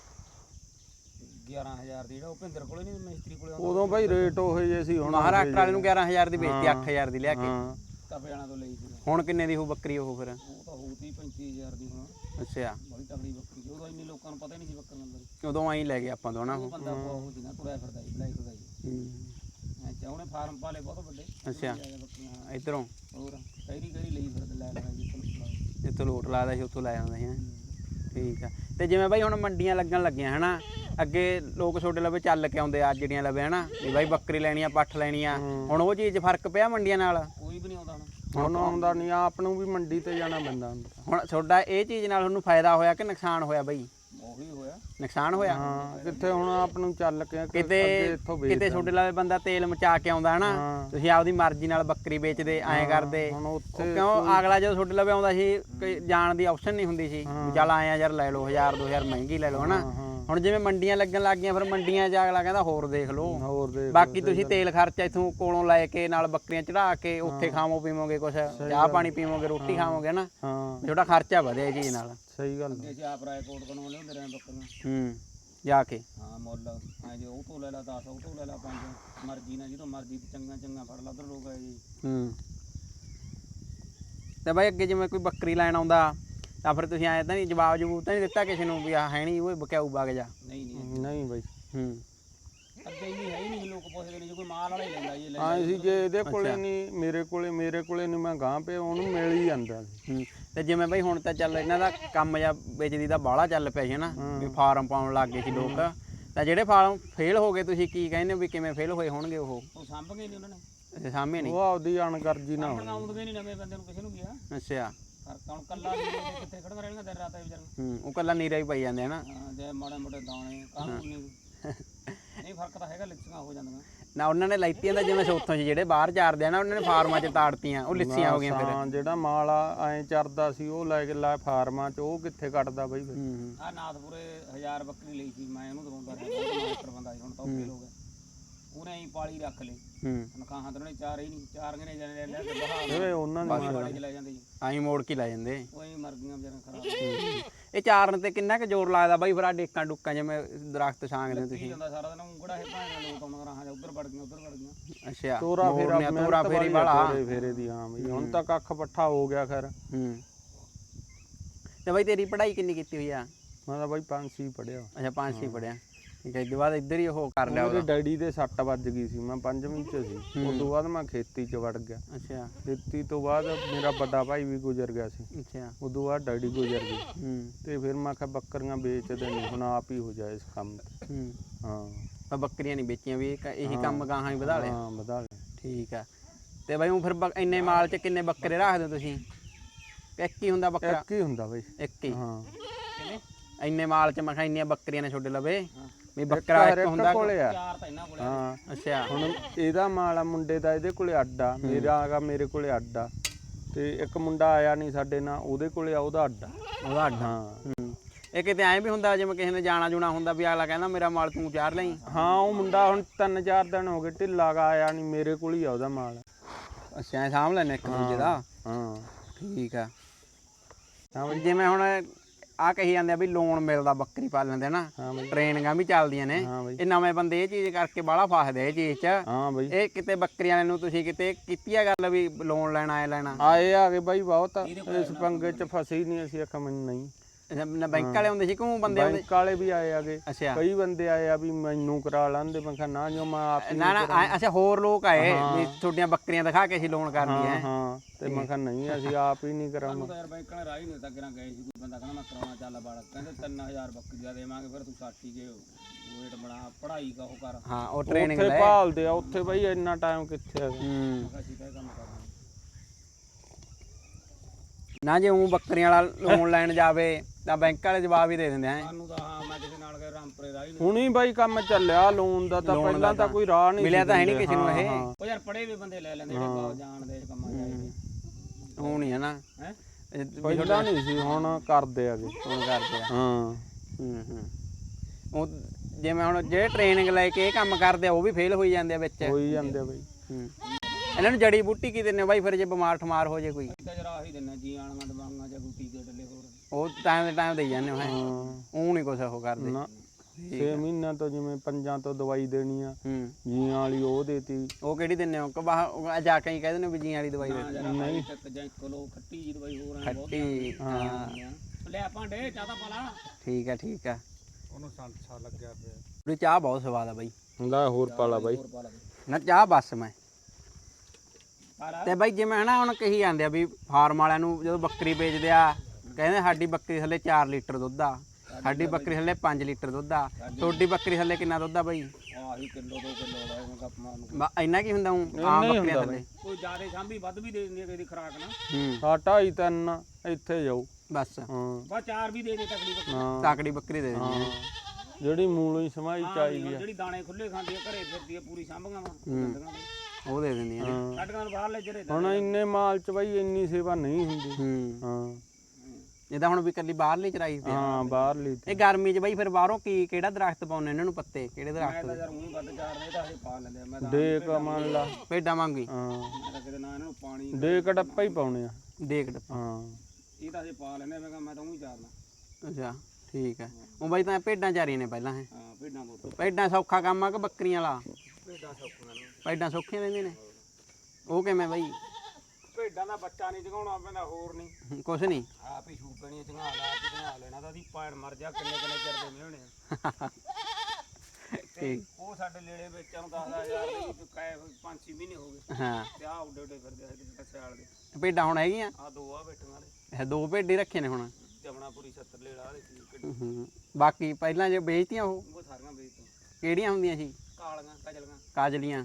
Speaker 3: 11000 ਦੀ ਜਿਹੜਾ ਉਹ ਭਿੰਦਰ ਕੋਲੇ ਨਹੀਂ ਮਿਸਤਰੀ ਕੋਲੇ
Speaker 2: ਉਦੋਂ ਬਾਈ ਰੇਟ ਉਹੇ ਜੇ ਸੀ ਹੁਣ
Speaker 1: ਮਹਾਰਾਸ਼ਟਰ ਵਾਲੇ ਨੂੰ 11000 ਦੀ ਵੇਚਤੀ 8000 ਦੀ ਲਿਆ ਕੇ
Speaker 2: ਹਾਂ
Speaker 3: ਤਪਿਆਣਾ ਤੋਂ ਲਈ ਸੀ
Speaker 1: ਹੁਣ ਕਿੰਨੇ ਦੀ ਹੋ ਬੱਕਰੀ ਉਹ ਫਿਰ
Speaker 3: ਉਹ ਤਾਂ ਹੋਊ 30-35000 ਦੀ ਹੁਣ
Speaker 1: ਅੱਛਾ
Speaker 3: ਬੜੀ ਤਗੜੀ ਬੱਕਰੀ ਸੀ। ਉਦੋਂ ਇੰਨੇ ਲੋਕਾਂ ਨੂੰ ਪਤਾ ਹੀ ਨਹੀਂ ਸੀ ਬੱਕਰੀਆਂ ਦਾ
Speaker 1: ਉਦੋਂ ਆਈ ਲੈ ਗਏ ਆਪਾਂ ਦੋਨਾਂ
Speaker 3: ਉਹ ਬੰਦਾ ਬਹੁਤ ਸੀ ਨਾ ਤੁਰਿਆ ਫਿਰਦਾ ਸੀ ਬਲੈਕ ਦਾ ਜੀ ਅੱਛਾ ਉਹਨੇ ਫਾਰਮ ਪਾਲੇ ਬਹੁਤ ਵੱਡੇ
Speaker 1: ਅੱਛਾ
Speaker 3: ਬੱਕਰੀਆਂ
Speaker 1: ਇਧਰੋਂ
Speaker 3: ਹੋਰ ਕਈ ਲਈ ਫਿਰਦੇ ਲੈ ਲੈਣਾ ਜੀ
Speaker 1: ਜਿੱਥੋਂ ਲੋਟ ਲਾਦਾ ਸੀ ਉੱਥੋਂ ਲੈ ਆਉਂਦਾ ਸੀ ਹੈਂ। ਠੀਕ ਆ ਤੇ ਜਿਵੇਂ ਬਾਈ ਹੁਣ ਮੰਡੀਆਂ ਲੱਗਣ ਲੱਗੀਆਂ ਹਨਾ ਅੱਗੇ ਲੋਕ ਛੋਟੇ ਲਵੇ ਚੱਲ ਕੇ ਆਉਂਦੇ ਆ ਜਿਹੜੀਆਂ ਲਵੇ ਹਨਾ ਵੀ ਬਾਈ ਬੱਕਰੀ ਲੈਣੀ ਆ ਪੱਠ ਲੈਣੀ ਆ ਹੁਣ ਉਹ ਚੀਜ਼ 'ਚ ਫਰਕ ਪਿਆ ਮੰਡੀਆਂ ਨਾਲ
Speaker 3: ਕੋਈ ਵੀ ਨਹੀਂ ਆਉਂਦਾ
Speaker 2: ਹੁਣ ਆਉਂਦਾ ਨਹੀਂ ਆਪ ਨੂੰ ਵੀ ਮੰਡੀ ਤੇ ਜਾਣਾ ਪੈਂਦਾ ਹੁੰਦਾ।
Speaker 1: ਹੁਣ ਤੁਹਾਡਾ ਇਹ ਚੀਜ਼ ਨਾਲ ਤੁਹਾਨੂੰ ਫਾਇਦਾ ਹੋਇਆ ਕਿ ਨੁਕਸਾਨ ਹੋਇਆ ਬਾਈ
Speaker 3: ਉਹੀ ਹੋਇਆ
Speaker 1: ਨੁਕਸਾਨ ਹੋਇਆ
Speaker 2: ਹਾਂ ਕਿੱਥੇ ਹੁਣ ਆਪ ਨੂੰ ਚੱਲ ਕੇ
Speaker 1: ਕਿਤੇ
Speaker 2: ਇੱਥੋਂ
Speaker 1: ਕਿਤੇ ਛੋਟੇ ਲਵੇ ਬੰਦਾ ਤੇਲ ਮਚਾ ਕੇ ਆਉਂਦਾ ਹਨਾ ਤੁਸੀਂ ਆਪਦੀ ਮਰਜ਼ੀ ਨਾਲ ਬੱਕਰੀ ਵੇਚਦੇ ਐਂ ਕਰਦੇ
Speaker 2: ਹੁਣ ਉੱਥੇ
Speaker 1: ਕਿਉਂ ਅਗਲਾ ਜਦੋਂ ਛੋਟੇ ਲਵੇ ਆਉਂਦਾ ਸੀ ਕੋਈ ਜਾਣ ਦੀ ਆਪਸ਼ਨ ਨਹੀਂ ਹੁੰਦੀ ਸੀ ਵੀ ਚੱਲ ਆਇਆ ਯਾਰ ਲੈ ਲਓ 1000-2000 ਮਹਿੰਗੀ ਲੈ ਲਓ ਹਨਾ ਹੁਣ ਜਿਵੇਂ ਮੰਡੀਆਂ ਲੱਗਣ ਲੱਗ ਗਈਆਂ ਫਿਰ ਮੰਡੀਆਂ 'ਚ ਅਗਲਾ ਕਹਿੰਦਾ ਹੋਰ ਦੇਖ ਲਓ
Speaker 2: ਹੋਰ ਦੇ
Speaker 1: ਬਾਕੀ ਤੁਸੀਂ ਤੇਲ ਖਰਚਾ ਇਥੋਂ ਕੋਲੋਂ ਲੈ ਕੇ ਨਾਲ ਬੱਕਰੀਆਂ ਚੜਾ ਕੇ ਉੱਥੇ ਖਾਵੋ ਪੀਵੋਗੇ ਕੁਛ ਚਾਹ ਪਾਣੀ ਪੀਵੋਗੇ ਰੋਟੀ ਖਾਵੋਗੇ ਨਾ
Speaker 2: ਹਾਂ
Speaker 1: ਤੁਹਾਡਾ ਖਰਚਾ ਵਧਿਆ ਇਹ ਚੀਜ਼ ਨਾਲ
Speaker 2: ਸਹੀ ਗੱਲ
Speaker 3: ਅੱਗੇ ਅਸੀਂ ਆਪ ਰਾਏਕੋਟ ਕੋਲੋਂ ਲਿਆਉਂਦੇ ਰਹੇ ਬੱਕਰੀਆਂ
Speaker 1: ਜਾ ਕੇ
Speaker 3: ਹਾਂ ਮੁੱਲ ਐ ਜੇ ਉਹ ਤੋਂ ਲੈ ਲਾ 10 ਉਹ ਤੋਂ ਲੈ ਲਾ 5 ਮਰਜ਼ੀ ਨਾਲ ਜਦੋਂ ਮਰਜ਼ੀ ਚੰਗਾ ਚੰਗਾ ਫੜ ਲਾ ਉਧਰ ਲੋਕ ਆਏ ਜੀ
Speaker 1: ਤੇ ਬਾਈ ਅੱਗੇ ਜਿਵੇਂ ਕੋਈ ਬੱਕਰੀ ਲੈਣ ਆਉਂਦਾ ਤਾਂ ਫਿਰ ਤੁਸੀਂ ਐਂ ਤਾਂ ਨਹੀਂ ਜਵਾਬ ਜਬੂਬ ਤਾਂ ਨਹੀਂ ਦਿੱਤਾ ਕਿਸੇ ਨੂੰ ਵੀ ਆ ਹੈ ਨਹੀਂ ਉਹ ਬਕਿਆਊ ਵਗ ਜਾ
Speaker 2: ਨਹੀਂ ਬਾਈ
Speaker 3: ਅੱਗੇ ਇੰਨੀ ਹੈ ਹੀ ਨਹੀਂ ਲੋਕ ਪੁੱਛਦੇ ਨਹੀਂ ਜੇ ਕੋਈ ਮਾਲ ਵਾਲਾ ਹੀ ਲੈਂਦਾ ਜੀ
Speaker 2: ਹਾਂ ਸੀ ਜੇ ਇਹਦੇ ਕੋਲੇ ਨਹੀਂ ਮੇਰੇ ਕੋਲੇ ਨਹੀਂ ਮੈਂ ਗਾਂ ਪਏ ਉਹਨੂੰ ਮਿਲ ਹੀ ਜਾਂਦਾ ਸੀ
Speaker 1: ਤੇ ਜਿਵੇਂ ਬਈ ਹੁਣ ਤਾਂ ਚੱਲ ਇਹਨਾਂ ਦਾ ਕੰਮ ਜਾਂ ਵੇਚਦੀ ਦਾ ਬਾਹਲਾ ਚੱਲ ਪਿਆ ਸੀ ਨਾ ਵੀ ਫਾਰਮ ਪਾਉਣ ਲੱਗ ਗਏ ਸੀ ਲੋਕ ਤਾਂ ਜਿਹੜੇ ਫਾਰਮ ਫੇਲ ਹੋ ਗਏ ਤੁਸੀਂ ਕੀ ਕਹਿੰਦੇ ਵੀ ਕਿਵੇਂ ਫੇਲ ਹੋਏ ਹੋਣਗੇ ਉਹ
Speaker 3: ਸਾਂਭ ਗਏ ਨਹੀਂ ਉਹਨਾਂ ਨੇ
Speaker 1: ਸਾਹਮਣੇ ਨਹੀਂ
Speaker 2: ਉਹ ਆਪਦੀ ਅਣਗਰਜੀ ਨਾ ਹੋਣੀ
Speaker 3: ਆਉਂਦੇ ਨਹੀਂ ਨਵੇਂ ਬੰਦੇ ਨੂੰ ਕਿਸੇ ਨੂੰ ਗਿਆ
Speaker 1: ਅੱਛਾ
Speaker 3: ਹੁਣ ਕੱਲਾ ਕਿੱਥੇ ਖੜਦਾ ਰਹਿਣਾ ਦਿਨ ਰਾਤ ਵਿਚਾਰ
Speaker 1: ਉਹ ਕੱਲਾ ਨੀਰਾ ਹੀ ਪਾਈ ਜਾਂਦੇ ਹਨਾ
Speaker 3: ਹਾਂ ਜੇ ਮਾੜੇ ਮੋਟੇ ਦਾਣੇ ਕਾਹਨੂੰ ਨਹੀਂ ਫਰਕ ਤਾਂ ਹੈਗਾ ਲਿੱਸੀਆਂ ਹੋ ਜਾਂਦੀਆਂ
Speaker 1: ਨਾ ਉਹਨਾਂ ਨੇ ਲਾਈਤੀਆਂ ਦਾ ਜਿਵੇਂ ਸੋਥੋਂ ਸੀ ਜਿਹੜੇ ਬਾਹਰ ਚਾਰਦੇ ਆ ਨਾ ਉਹਨਾਂ ਨੇ ਫਾਰਮਾਂ 'ਚ ਤਾੜਤੀਆਂ ਉਹ ਲਿੱਸੀਆਂ ਹੋ ਗਈਆਂ ਫਿਰ
Speaker 2: ਹਾਂ ਜਿਹੜਾ ਮਾਲ ਆ ਐਂ ਚਰਦਾ ਸੀ ਉਹ ਲੈ ਕੇ ਲਾ ਫਾਰਮਾਂ 'ਚ ਉਹ ਕਿੱਥੇ ਕੱਟਦਾ ਬਾਈ ਫਿਰ
Speaker 3: ਆ ਨਾਥਪੁਰੇ 1000 ਬੱਕਰੀ ਲਈ ਸੀ ਮੈਂ ਉਹਨੂੰ ਦਵਾਉਂਦਾ ਰਿਹਾ ਮਾਸਟਰ ਬੰਦਾ ਸੀ ਹੁਣ ਤਾਂ ਉਹ ਫੇਲ ਹੋ ਗਿਆ ਉਹਨੇ ਐਂ ਪਾਲੀ ਰੱਖ ਲਈ ਨਖਾਹਾਂ ਤੇ ਉਹਨੇ ਚਾਰ ਹੀ ਨਹੀਂ ਚਾਰ ਗਨੇ ਜਣੇ ਲੈ ਕੇ ਬਹਾ
Speaker 2: ਉਹਨਾਂ
Speaker 3: ਨੇ ਪਾਲੀ ਚ ਲੈ ਜਾਂਦੇ ਜੀ
Speaker 1: ਆਈ ਮੋੜ ਕੇ ਲੈ ਜਾਂਦੇ
Speaker 3: ਉਹ ਐਂ ਮਰ ਗਈਆਂ ਵਿਚਾਰਾਂ ਖਰਾਬ
Speaker 1: ਇਹ ਚਾਰਨ ਤੇ ਕਿੰਨਾ ਕੁ ਜ਼ੋਰ ਲੱਗਦਾ ਬਾਈ ਫਿਰ ਆ ਡੇਕਾਂ ਡੁੱਕਾਂ ਜਿਵੇਂ ਦਰਖਤ ਛਾਂਗਦੇ ਤੁਸੀਂ
Speaker 3: ਜਾਂਦਾ ਸਾਰਾ ਦਿਨ ਉਂਗੜਾ ਹੈ ਭਾਵੇਂ ਲੋਕ ਆਉਂਦਾ ਰਹਾ ਉਧਰ ਵੜ ਗਈਆਂ
Speaker 1: ਅੱਛਾ
Speaker 2: ਤੋਰਾ
Speaker 1: ਫੇਰੀ ਵਾਲਾ
Speaker 2: ਫੇਰੇ ਦੀ ਹਾਂ ਬਈ ਹੁਣ ਤਾਂ ਕੱਖ ਪੱਠਾ ਹੋ ਗਿਆ ਖੈਰ
Speaker 1: ਤੇ ਬਾਈ ਤੇਰੀ ਪੜ੍ਹਾਈ ਕਿੰਨੀ ਕੀਤੀ ਹੋਈ ਆ
Speaker 2: ਮੈਂ ਤਾਂ ਬਾਈ 5-6 ਪੜਿਆ
Speaker 1: ਅੱਛਾ 5-6 ਪੜਿਆ ਠੀਕ ਹੈ ਇਸ ਤੋਂ ਬਾਅਦ ਇੱਧਰ ਹੀ ਉਹ ਕਰ ਲਿਆ
Speaker 2: ਮੇਰੇ ਡੈਡੀ ਦੇ ਸੱਟ ਵੱਜ ਗਈ ਸੀ ਮੈਂ 5ਵੀਂ ਚ ਸੀ ਉਸ ਤੋਂ ਬਾਅਦ ਮੈਂ ਖੇਤੀ ਚ ਵੜ ਗਿਆ
Speaker 1: ਅੱਛਾ
Speaker 2: ਖੇਤੀ ਤੋਂ ਬਾਅਦ ਮੇਰਾ ਵੱਡਾ ਭਾਈ ਵੀ ਗੁਜ਼ਰ ਗਿਆ ਸੀ
Speaker 1: ਅੱਛਾ
Speaker 2: ਉਸ ਤੋਂ ਬਾਅਦ ਡੈਡੀ ਗੁਜ਼ਰ ਗਏ ਤੇ ਫਿਰ ਮੈਂ ਕਿਹਾ ਬੱਕਰੀਆਂ ਵੇਚਦੇ ਨਹੀਂ ਹੁਣ ਆਪ ਹੀ ਹੋ ਜਾਏ ਇਸ ਕੰਮ ਤੇ ਹਾਂ
Speaker 1: ਬੱਕਰੀਆਂ ਨਹੀਂ ਵੇਚੀਆਂ ਵੀ ਇਹੀ ਕੰਮ ਗਾਹਾਂ ਹੀ ਵਧਾ ਲਿਆ
Speaker 2: ਹਾਂ ਵਧਾ ਲਿਆ ਠੀਕ
Speaker 1: ਆ ਤੇ ਬਾਈ ਉਹ ਫਿਰ ਇੰਨੇ ਮਾਲ ਚ ਕਿੰਨੇ ਬੱਕਰੇ ਰੱਖਦੇ ਤੁਸੀਂ ਇੱਕ ਹੀ ਹੁੰਦਾ ਬੱਕਰਾ
Speaker 2: ਇੱਕ ਹੀ ਹੁੰਦਾ ਬਾਈ
Speaker 1: ਇੱਕ ਹੀ
Speaker 2: ਹਾਂ
Speaker 1: ਇੰਨੇ ਮਾਲ ਚ ਮੈਂ ਕਿਹਾ ਇੰਨੀਆਂ ਬੱਕਰੀਆਂ ਨੇ ਛੋਡੇ ਲਵੇ ਵੀ ਬੱਕਰਾ ਇੱਕ ਹੁੰਦਾ
Speaker 2: ਕੋਲੇ ਆ
Speaker 3: ਚਾਰ ਤਾਂ ਇਹਨਾਂ ਕੋਲੇ
Speaker 2: ਹਾਂ
Speaker 1: ਅੱਛਾ
Speaker 2: ਹੁਣ ਇਹਦਾ ਮਾਲ ਆ ਮੁੰਡੇ ਦਾ ਇਹਦੇ ਕੋਲੇ ਅੱਡਾ ਮੇਰਾ ਆਗਾ ਮੇਰੇ ਕੋਲੇ ਅੱਡਾ ਤੇ ਇੱਕ ਮੁੰਡਾ ਆਇਆ ਨਹੀਂ ਸਾਡੇ ਨਾਲ ਉਹਦੇ ਕੋਲੇ ਆ ਉਹਦਾ ਅੱਡਾ
Speaker 1: ਹਾਂ ਇਹ ਕਿਤੇ ਐਂ ਵੀ ਹੁੰਦਾ ਜਿਵੇਂ ਕਿਸੇ ਨੇ ਜਾਣਾ ਜੁਣਾ ਹੁੰਦਾ ਵੀ ਅਗਲਾ ਕਹਿੰਦਾ ਮੇਰਾ ਮਾਲ ਤੂੰ ਚਾਰ ਲਈ
Speaker 2: ਹਾਂ ਉਹ ਮੁੰਡਾ ਹੁਣ 3-4 ਦਿਨ ਹੋ ਗਏ ਢਿੱਲਾ ਗਾ ਆਇਆ ਨਹੀਂ ਮੇਰੇ ਕੋਲ ਹੀ ਆ ਉਹਦਾ ਮਾਲ
Speaker 1: ਅੱਛਾ ਸਾਂਭ ਲੈਣੇ ਇੱਕ ਦੂਜੇ ਦਾ
Speaker 2: ਹਾਂ
Speaker 1: ਠੀਕ ਆ ਜਿਵੇਂ ਹੁਣ ਆ ਕਹੀ ਜਾਂਦੇ ਆ ਵੀ ਲੋਨ ਮਿਲਦਾ ਬੱਕਰੀ ਪਾਲਣ ਦੇ ਨਾ,
Speaker 2: ਹਾਂ ਬਈ
Speaker 1: ਟ੍ਰੇਨਿੰਗਾਂ ਵੀ ਚੱਲਦੀਆਂ ਨੇ,
Speaker 2: ਹਾਂ ਬਈ
Speaker 1: ਇਹ ਨਵੇਂ ਬੰਦੇ ਇਹ ਚੀਜ਼ ਕਰਕੇ ਬਾਹਲਾ ਫਸਦੇ ਇਹ ਚੀਜ਼ 'ਚ।
Speaker 2: ਹਾਂ ਬਈ
Speaker 1: ਇਹ ਕਿਤੇ ਬੱਕਰੀਆਂ ਵਾਲਿਆਂ ਨੂੰ ਤੁਸੀਂ ਕਿਤੇ ਕੀਤੀ ਆ ਗੱਲ ਵੀ ਲੋਨ ਲੈਣਾ ਲੈਣਾ?
Speaker 2: ਆਏ ਆ ਗਏ ਬਾਈ ਬਹੁਤ, ਇਸ ਪੰਗੇ 'ਚ ਫਸੇ ਹੀ ਨਹੀਂ ਅਸੀਂ, ਆਖਾਂ ਮੈਨੂੰ ਨਹੀਂ।
Speaker 1: ਨਾ ਬੈਂਕ ਵਾਲੇ ਹੁੰਦੇ ਸੀ ਕਿਉਂ ਬੰਦੇ ਹੁੰਦੇ?
Speaker 2: ਬੈਂਕ ਵਾਲੇ ਵੀ ਆਏ ਆਗੇ,
Speaker 1: ਅੱਛਾ
Speaker 2: ਕਈ ਬੰਦੇ ਆਏ ਆ ਵੀ ਮੈਨੂੰ ਕਰਾ ਲੈਂਦੇ, ਮੈਂ ਕਿਹਾ ਨਾ ਜੋ ਮੈਂ ਆਪ ਹੀ
Speaker 1: ਨਾ ਅੱਛਾ ਹੋਰ ਲੋਕ ਆਏ ਵੀ ਤੁਹਾਡੀਆਂ ਬੱਕਰੀਆਂ ਦਿਖਾ ਕੇ ਅਸੀਂ ਲੋਨ ਕਰਨੀ ਹੈ?
Speaker 2: ਹਾਂ ਤੇ ਮੈਂ ਕਿਹਾ ਨਹੀਂ ਅਸੀਂ ਆਪ ਹੀ ਨਹੀਂ ਕਰਾਂਗੇ।
Speaker 3: ਯਾਰ ਬੈਂਕਾਂ ਨੇ ਰਾਹ ਹੀ ਨਹੀਂ ਦਿੱਤਾ, ਕਿਰਾਂ ਗਏ ਸੀ ਕੋਈ ਬੰਦਾ ਕਹਿੰਦਾ ਮੈਂ ਕਰਾਉਣਾ ਚੱਲ ਬਾਲਕ, ਕਹਿੰਦੇ 3000 ਬੱਕਰੀ ਦਾ ਦੇਵਾਂਗੇ, ਫਿਰ ਤੂੰ 60 ਕੇ ਵੇਟ ਬਣਾ ਪੜ੍ਹਾਈ ਕਾ ਉਹ ਕਰ।
Speaker 1: ਹਾਂ ਉਹ ਟ੍ਰੇਨਿੰਗ
Speaker 2: ਉੱਥੇ
Speaker 1: ਲੈ
Speaker 2: ਭਾਲਦੇ ਆ ਉੱਥੇ ਬਈ ਇੰਨਾ ਟਾਈਮ ਕਿੱਥੇ ਹੈਗਾ।
Speaker 3: ਅਸੀਂ ਤਾਂ ਇਹ ਕੰਮ ਕਰਨਾ
Speaker 1: ਨਾ ਜੇ ਉਹ ਬੱਕਰੀਆਂ ਵਾਲਾ ਲੋਨ ਲੈਣ ਜਾਵੇ ਤਾਂ ਬੈਂਕ ਵਾਲੇ ਜਵਾਬ ਹੀ ਦੇ ਦਿੰਦੇ ਆ।
Speaker 3: ਸਾਨੂੰ ਤਾਂ ਹਾਂ ਮੈਂ ਕਿਸੇ ਨਾਲ ਗਏ ਰਾਮਪੁਰੇ ਰਾਹ ਹੀ ਨਹੀਂ।
Speaker 2: ਹੁਣੀ ਬਾਈ ਕੰਮ ਚੱਲਿਆ ਲੋਨ ਦਾ, ਤਾਂ ਪਹਿਲਾਂ ਤਾਂ ਕੋਈ ਰਾਹ ਨਹੀਂ
Speaker 1: ਮਿਲਿਆ ਤਾਂ ਹੈ ਨਹੀਂ ਕਿਸੇ ਨੂੰ ਇਹ।
Speaker 3: ਉਹ ਯਾਰ ਪੜੇ ਵੀ ਬੰਦੇ ਲੈ ਲੈਂਦੇ ਜਿਹੜੇ ਬਾਹਰ ਜਾਣਦੇ ਇਸ ਕੰਮਾਂ ਜਾਈਦੇ
Speaker 1: ਉਹ ਨਹੀਂ ਹੈ ਨਾ,
Speaker 3: ਹੈ।
Speaker 2: ਪਹਿਲਾਂ ਨਹੀਂ ਸੀ, ਹੁਣ ਕਰਦੇ ਆਗੇ,
Speaker 1: ਹੁਣ ਕਰਦੇ ਆ।
Speaker 2: ਹਾਂ
Speaker 1: ਉਹ ਜਿਵੇਂ ਹੁਣ ਜਿਹੜੇ ਟ੍ਰੇਨਿੰਗ ਲੈ ਕੇ ਇਹ ਕੰਮ ਕਰਦੇ ਆ ਉਹ ਵੀ ਫੇਲ ਹੋਈ ਜਾਂਦੇ ਆ ਵਿੱਚ।
Speaker 2: ਹੋਈ ਜਾਂਦੇ ਆ ਬਾਈ।
Speaker 1: ਇਹਨਾਂ ਨੂੰ ਜੜੀ ਬੂਟੀ ਕੀ ਦਿੰਦੇ ਹੋ ਬਾਈ ਫਿਰ ਜੇ ਬਿਮਾਰ ਠਮਾਰ ਹੋ ਜੇ ਕੋਈ?
Speaker 3: ਤਾਂ ਜਰਾ ਆਹੀ ਦਿੰਨੇ ਜੀ ਆਣੀਆਂ ਦਵਾਈਆਂ ਜਾਂ ਕੋਈ ਟੀਕੇ ਡੱਲੇ ਹੋਰ
Speaker 1: ਉਹ ਟਾਈਮ ਦੇ ਟਾਈਮ ਦੇਈ ਜਾਂਦੇ ਹੋ ਹੈ, ਉਹ ਨਹੀਂ ਕੁਛ ਉਹ ਕਰਦੇ।
Speaker 2: ਨਾ 6 ਮਹੀਨਿਆਂ ਤੋਂ ਜਿਵੇਂ 5 ਤੋਂ ਦਵਾਈ ਦੇਣੀ ਆ ਜੀਆਂ ਵਾਲੀ, ਉਹ ਦੇਤੀ।
Speaker 1: ਉਹ ਕਿਹੜੀ ਦਿੰਦੇ ਹੋ ਕਿ ਬਾਹਰ ਜਾ ਕੇ ਹੀ ਕਹਿ ਦਿੰਦੇ ਹੋ ਵੀ ਜੀਆਂ ਵਾਲੀ ਦਵਾਈ ਦੇ?
Speaker 3: ਨਹੀਂ ਤੱਕ ਜਾਂ ਕੋਲੋ ਖੱਟੀ ਜੀ ਦਵਾਈ ਹੋਰ ਆ ਬਹੁਤ
Speaker 1: ਖੱਟੀ
Speaker 3: ਲੈ ਭਾਂਡੇ ਚਾਹ ਤਾਂ ਪਾਲਾ।
Speaker 1: ਠੀਕ ਆ ਠੀਕ ਆ।
Speaker 2: ਉਹਨੂੰ ਸੰਸਾ ਲੱਗਿਆ ਪਿਆ।
Speaker 1: ਉਹਦੀ ਚਾਹ ਬਹੁਤ ਸਵਾਦ ਆ ਬਾਈ।
Speaker 2: ਹੁੰਦਾ ਹੋਰ ਪਾਲਾ ਬਾਈ
Speaker 1: ਨਾ ਚਾਹ ਬਸ ਮੈਂ ਤੇ ਬਾਈ ਜਿਵੇਂ ਹਨਾ ਹੁਣ ਕਹੀ ਜਾਂਦੇ ਆ ਵੀ ਫਾਰਮ ਵਾਲਿਆਂ ਨੂੰ ਜਦੋਂ ਬੱਕਰੀ ਵੇਚਦੇ ਆ ਕਹਿੰਦੇ ਸਾਡੀ ਬੱਕਰੀ ਥੱਲੇ 4 ਲੀਟਰ ਦੁੱਧ ਆ, ਸਾਡੀ ਬੱਕਰੀ ਥੱਲੇ 5 ਲੀਟਰ ਦੁੱਧ ਆ, ਤੁਹਾਡੀ ਬੱਕਰੀ ਥੱਲੇ ਕਿੰਨਾ ਦੁੱਧ ਆ ਬਾਈ?
Speaker 3: ਆਹੀ ਕਿਲੋ 2 ਕਿਲੋ ਦਾ ਉਹ ਗੱਪ ਮਾਰ ਨੂੰ
Speaker 1: ਇੰਨਾ ਕੀ ਹੁੰਦਾ ਆਮ ਬੱਕਰੀਆਂ ਥੱਲੇ?
Speaker 3: ਕੋਈ ਜ਼ਿਆਦਾ ਸਾਂਭੀ ਵੱਧ ਵੀ ਦੇ ਦਿੰਦੀ ਹੈ ਕਿਸੇ ਖਰਾਕ ਨਾ।
Speaker 2: ਹਾਂ 2.5 3 ਇੱਥੇ ਜਾਊ
Speaker 1: ਬਸ।
Speaker 2: ਹਾਂ
Speaker 3: ਬਸ 4 ਵੀ ਦੇ ਦੇ ਤਕੜੀ ਬੱਕਰੀ।
Speaker 2: ਹਾਂ
Speaker 1: ਤਾਕੜੀ ਬੱਕਰੀ ਦੇ ਦਿੰਦੀ ਆ
Speaker 2: ਜਿਹੜੀ ਮੂਲੋਂ ਹੀ ਸਮਾਈ ਚਾਹੀਦੀ ਆ,
Speaker 3: ਜਿਹੜੀ ਦਾਣੇ ਖੁੱਲੇ ਖਾਂਦੀ ਆ ਘਰੇ ਫਿਰਦੀ ਆ ਪੂਰੀ ਸਾਂਭੀਆਂ ਵਾ
Speaker 1: ਉਹ ਦੇ ਦਿੰਦੀਆਂ ਨੇ।
Speaker 3: ਸਾਡੀਆਂ ਨੂੰ ਬਾਹਰ ਲੈ ਜਿਹੜੇ
Speaker 2: ਹੁਣ ਇੰਨੇ ਮਾਲ ਚ ਬਾਈ ਇੰਨੀ ਸੇਵਾ ਨਹੀਂ ਹੁੰਦੀ। ਹਾਂ
Speaker 1: ਇਹਦਾ ਹੁਣ ਵੀ ਕੱਲੀ ਬਾਹਰਲੀ ਚਰਾਈ ਤੇ
Speaker 2: ਹਾਂ ਬਾਹਰਲੀ
Speaker 1: ਇਹ ਗਰਮੀ 'ਚ ਬਾਈ ਫਿਰ ਬਾਹਰੋਂ ਕੀ ਕਿਹੜਾ ਦਰਖਤ ਪਾਉਣੇ ਇਹਨਾਂ ਨੂੰ ਪੱਤੇ ਕਿਹੜੇ
Speaker 3: ਮੈਂ
Speaker 1: ਦਰਖਤ
Speaker 3: ਤਾਂ
Speaker 1: ਦੇ?
Speaker 3: ਯਾਰ ਮੂੰਹ ਵੱਧ ਚਾਰ ਦੇ ਤਾਂ ਇਹ ਪਾ ਲੈਂਦੇ ਆ। ਮੈਂ ਤਾਂ
Speaker 2: ਦੇਖ ਮੰਨ ਲਾ,
Speaker 1: ਭੇਡਾਂ ਵਾਂਗੀ
Speaker 2: ਹਾਂ
Speaker 3: ਮੈਂ ਤਾਂ ਕਿਤੇ ਨਾ ਇਹਨਾਂ ਨੂੰ ਪਾਣੀ
Speaker 2: ਦੇ ਕੜੱਪਾ ਹੀ ਪਾਉਣੇ ਆ।
Speaker 1: ਦੇਖ ਡੱਪਾ।
Speaker 2: ਹਾਂ
Speaker 3: ਇਹ ਤਾਂ ਇਹ ਪਾ ਲੈਂਦੇ ਆ। ਮੈਂ ਕਿਹਾ ਮੈਂ ਤਾਂ ਉਹੀ ਚਾਰਨਾ।
Speaker 1: ਅੱਛਾ ਠੀਕ ਹੈ। ਉਹ ਬਾਈ ਤਾਂ ਭੇਡਾਂ ਚਾਰੀਆਂ ਨੇ ਪਹਿਲਾਂ ਹੈ।
Speaker 3: ਹਾਂ ਭੇਡਾਂ ਬਹੁਤ
Speaker 1: ਭੇਡਾਂ ਸੌਖਾ ਕੰਮ ਆ ਕਿ ਬੱਕਰੀਆਂ ਵਾਲਾ?
Speaker 3: ਭੇਡਾਂ ਸੌਖੀਆਂ ਨੇ।
Speaker 1: ਭੇਡਾਂ ਸੌਖੀਆਂ ਰਹਿੰਦੀਆਂ ਨੇ? ਉਹ ਕਿਵੇਂ ਬਾਈ?
Speaker 3: ਭੇਡਾਂ ਦਾ ਬੱਚਾ ਨਹੀਂ ਚਗਾਉਣਾ ਪੈਂਦਾ, ਹੋਰ ਨਹੀਂ
Speaker 1: ਕੁਛ ਨਹੀਂ।
Speaker 3: ਆਪ ਹੀ ਛੂ ਪੈਣੀ ਚੰਗਾ ਲਾ ਆਪ ਹੀ ਚੰਗਾ ਲੈਣਾ ਤਾਂ ਦੀ ਪੈਣ ਮਰ ਜਾ ਕਿੰਨੇ ਕਿੰਨੇ ਚਿਰ ਦੇ ਮਿਹਣੇ।
Speaker 1: ਠੀਕ।
Speaker 3: ਉਹ ਸਾਡੇ ਲੇੜੇ ਵੇਚਣ ਨੂੰ 10,000 ਦੇ ਵਿੱਚ ਕਾਇ 5-6 ਮਹੀਨੇ ਹੋ ਗਏ
Speaker 1: ਹਾਂ
Speaker 3: ਤੇ ਆ ਉੱਡੇ ਉੱਡੇ ਫਿਰਦੇ ਆ ਜਿਹੜੇ ਸਿਆਲ ਦੇ।
Speaker 1: ਭੇਡਾਂ ਹੁਣ ਹੈਗੀਆਂ?
Speaker 3: ਆ ਦੋ ਆ ਬੈਠਣ ਵਾਲੇ
Speaker 1: ਇਹ 2 ਭੇਡੇ ਰੱਖੇ ਨੇ ਹੁਣ।
Speaker 3: ਜਮਨਾਪੁਰੀ 70 ਲੇੜਾ ਵਾਲੇ ਸੀ।
Speaker 1: ਬਾਕੀ ਪਹਿਲਾਂ ਜੇ ਵੇਚਤੀਆਂ ਉਹ
Speaker 3: ਉਹ ਸਾਰੀਆਂ ਵੇਚਤੀਆਂ।
Speaker 1: ਕਿਹੜੀਆਂ ਹੁੰਦੀਆਂ ਸੀ?
Speaker 3: ਕਾਲੀਆਂ ਕਜਲੀਆਂ।
Speaker 1: ਕਾਜਲੀਆਂ।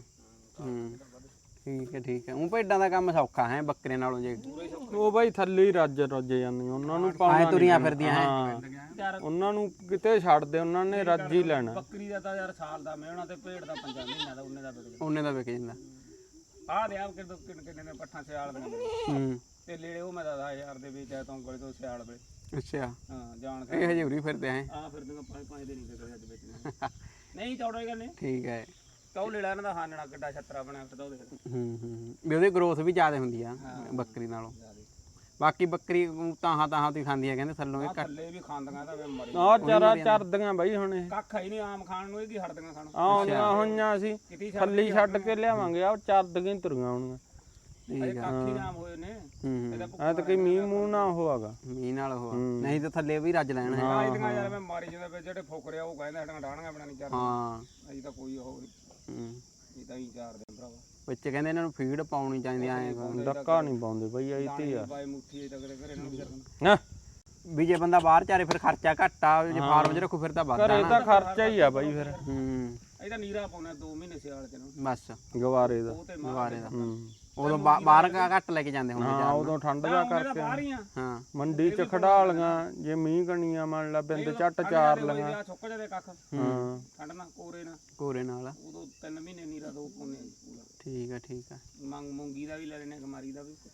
Speaker 1: ਠੀਕ ਹੈ ਠੀਕ ਹੈ। ਉਹ ਭੇਡਾਂ ਦਾ ਕੰਮ ਸੌਖਾ ਹੈ ਬੱਕਰੇ ਨਾਲੋਂ ਜੇ?
Speaker 2: ਉਹ ਬਾਈ ਥੱਲੇ ਹੀ ਰੱਜ ਜਾਂਦੀਆਂ, ਉਹਨਾਂ ਨੂੰ ਪਾਉਣਾ
Speaker 1: ਐ ਤੁਰੀਆਂ ਫਿਰਦੀਆਂ ਹੈ।
Speaker 3: ਯਾਰ
Speaker 2: ਉਹਨਾਂ ਨੂੰ ਕਿਤੇ ਛੱਡ ਦੇ, ਉਹਨਾਂ ਨੇ ਰੱਜ ਹੀ ਲੈਣਾ।
Speaker 3: ਬੱਕਰੀ ਦਾ ਤਾਂ ਯਾਰ ਸਾਲ ਦਾ ਮਿਹਣਾ ਤੇ ਭੇਡ ਦਾ 5 ਮਹੀਨਿਆਂ ਦਾ ਉਹਨੇ ਦਾ ਵਿਕ
Speaker 1: ਉਹਨੇ ਦਾ ਵਿਕ ਜਾਂਦਾ।
Speaker 3: ਆ ਦੇ ਆ ਕਿੰਨੇ ਨੇ ਪੱਠਾਂ ਸਿਆਲ ਦੀਆਂ ਤੇ ਲੇੜੇ ਉਹ ਮੈਂ 10,000 ਦੇ ਵਿੱਚ ਆਇਆ ਤੋਂ ਕੋਲੇ ਤੋਂ ਸਿਆਲ ਵੇ।
Speaker 1: ਅੱਛਾ
Speaker 3: ਹਾਂ ਜਾਣ
Speaker 1: ਇਹ ਹਜੇ ਉਰੀ ਫਿਰਦੇ ਹੈ।
Speaker 3: ਆ ਫਿਰ ਦੂੰਗਾ 5 ਦੇ ਨਹੀਂ ਵਿਕਦੇ ਅੱਜ ਵੇਚਣੇ। ਨਹੀਂ ਚੌੜੇ ਗੱਲ ਨਹੀਂ।
Speaker 1: ਠੀਕ ਹੈ।
Speaker 3: ਕਹੋ ਲੇੜਾ ਇਹਨਾਂ ਦਾ ਹਾਨਣਾ ਕਿੱਡਾ ਛੱਤਰਾ ਬਣਿਆ ਫਿਰਦਾ ਉਹਦੇ।
Speaker 1: ਵੀ ਉਹਦੀ ਗਰੋਥ ਵੀ ਜ਼ਿਆਦਾ ਹੁੰਦੀ ਆ ਬੱਕਰੀ ਨਾਲੋਂ। ਬਾਕੀ ਬੱਕਰੀ ਤਾਹਾਂ ਤੁਸੀਂ ਖਾਂਦੀਆਂ ਕਹਿੰਦੇ ਥੱਲੋਂ ਇਹ
Speaker 3: ਥੱਲੇ ਵੀ ਖਾਂਦੀਆਂ ਤਾਂ ਵੇ ਮਰੀ।
Speaker 2: ਆਹ ਚਾਰਾ ਚਰਦੀਆਂ ਬਾਈ ਹੁਣ ਇਹ
Speaker 3: ਕੱਖ ਹੀ ਨਹੀਂ ਆਮ ਖਾਣ ਨੂੰ, ਇਹ ਕੀ ਹਟਦੀਆਂ ਖਾਣ।
Speaker 2: ਆਉਂਦੀਆਂ ਹੋਈਆਂ ਅਸੀਂ ਥੱਲੀ ਛੱਡ ਕੇ ਲਿਆਵਾਂਗੇ, ਆ ਚਰਦੀਆਂ ਹੀ ਤੁਰੀਆਂ ਹੋਣਗੀਆਂ।
Speaker 3: ਇਹ ਕੱਖ ਹੀ ਨਾਮ ਹੋਏ ਨੇ।
Speaker 2: ਐ ਤਾਂ ਕੋਈ ਮੀਂਹ ਮੂੰਹ ਨਾ ਹੋਆਗਾ
Speaker 1: ਮੀਂਹ ਨਾਲ ਉਹ ਨਹੀਂ ਤਾਂ ਥੱਲੇ ਵੀ ਰੱਜ ਲੈਣ ਹੈ।
Speaker 3: ਇਹਦੀਆਂ ਯਾਰ ਮੈਂ ਮਾਰੀ ਜਾਂਦਾ ਜਿਹੜੇ ਫੋਕਰੇ ਆ ਉਹ ਕਹਿੰਦੇ ਸਾਡੀਆਂ ਡਾਣੀਆਂ ਬਣਾਣੀ ਚਾਹੀਦੀਆਂ।
Speaker 1: ਹਾਂ
Speaker 3: ਅਸੀਂ ਤਾਂ ਕੋਈ ਉਹ ਇਹ ਤਾਂ ਹੀ ਚਾਰਦੇ ਭਰਾਵਾ।
Speaker 1: ਵਿੱਚ ਕਹਿੰਦੇ ਇਹਨਾਂ ਨੂੰ ਫੀਡ ਪਾਉਣੀ ਚਾਹੀਦੀ ਐ।
Speaker 2: ਡੱਕਾ ਨਹੀਂ ਪਾਉਂਦੇ ਬਈ ਐ ਤੇ ਆ
Speaker 3: ਬਾਈ ਮੁੱਠੀ ਤੱਕ ਦੇ ਘਰੇ ਨੂੰ ਵੀ ਕਰਨਾ।
Speaker 2: ਨਾ
Speaker 1: ਵੀ ਜੇ ਬੰਦਾ ਬਾਹਰ ਚਾਰੇ ਫਿਰ ਖਰਚਾ ਘੱਟ ਆ, ਜੇ ਫਾਰਮ 'ਚ ਰੱਖੋ ਫਿਰ ਤਾਂ ਵੱਧ
Speaker 2: ਘਰੇ ਤਾਂ ਖਰਚਾ ਹੀ ਆ ਬਾਈ ਫਿਰ।
Speaker 3: ਇਹ ਤਾਂ ਨੀਰਾ ਪਾਉਣਾ 2 ਮਹੀਨੇ ਸਿਆਲ ਚ ਨੂੰ
Speaker 1: ਬਸ
Speaker 2: ਗਵਾਰੇ ਦਾ।
Speaker 3: ਉਹ ਤੇ
Speaker 1: ਦੁਬਾਰੇ ਦਾ ਉਦੋਂ ਬਾਹਰ ਘੱਟ ਲੈ ਕੇ ਜਾਂਦੇ ਹੁੰਦੇ
Speaker 2: ਹਾਂ ਉਦੋਂ ਠੰਡ ਦਾ ਕਰਕੇ
Speaker 3: ਬਾਹਰ ਹੀ ਆ।
Speaker 1: ਹਾਂ
Speaker 2: ਮੰਡੀ ਚ ਖੜਾ ਲੀਆਂ, ਜੇ ਮੀਂਹ ਕਣੀਆਂ ਮੰਨ ਲਾ ਬਿੰਦ ਝੱਟ ਚਾਰ ਲੀਆਂ।
Speaker 3: ਸੁੱਕ ਜਾਦੇ ਕੱਖ
Speaker 2: ਹਾਂ
Speaker 3: ਠੰਡ ਨਾਲ
Speaker 1: ਕੋਰੇ ਨਾਲ
Speaker 3: ਉਦੋਂ 3 ਮਹੀਨੇ ਨੀਰਾ ਦੋ ਪਾਉਣੇ ਪੂਰਾ।
Speaker 1: ਠੀਕ ਆ
Speaker 3: ਮੂੰਗੀ ਦਾ ਵੀ ਲੈ ਲੈਣੇ, ਗਮਾਰੀ ਦਾ ਵੀ।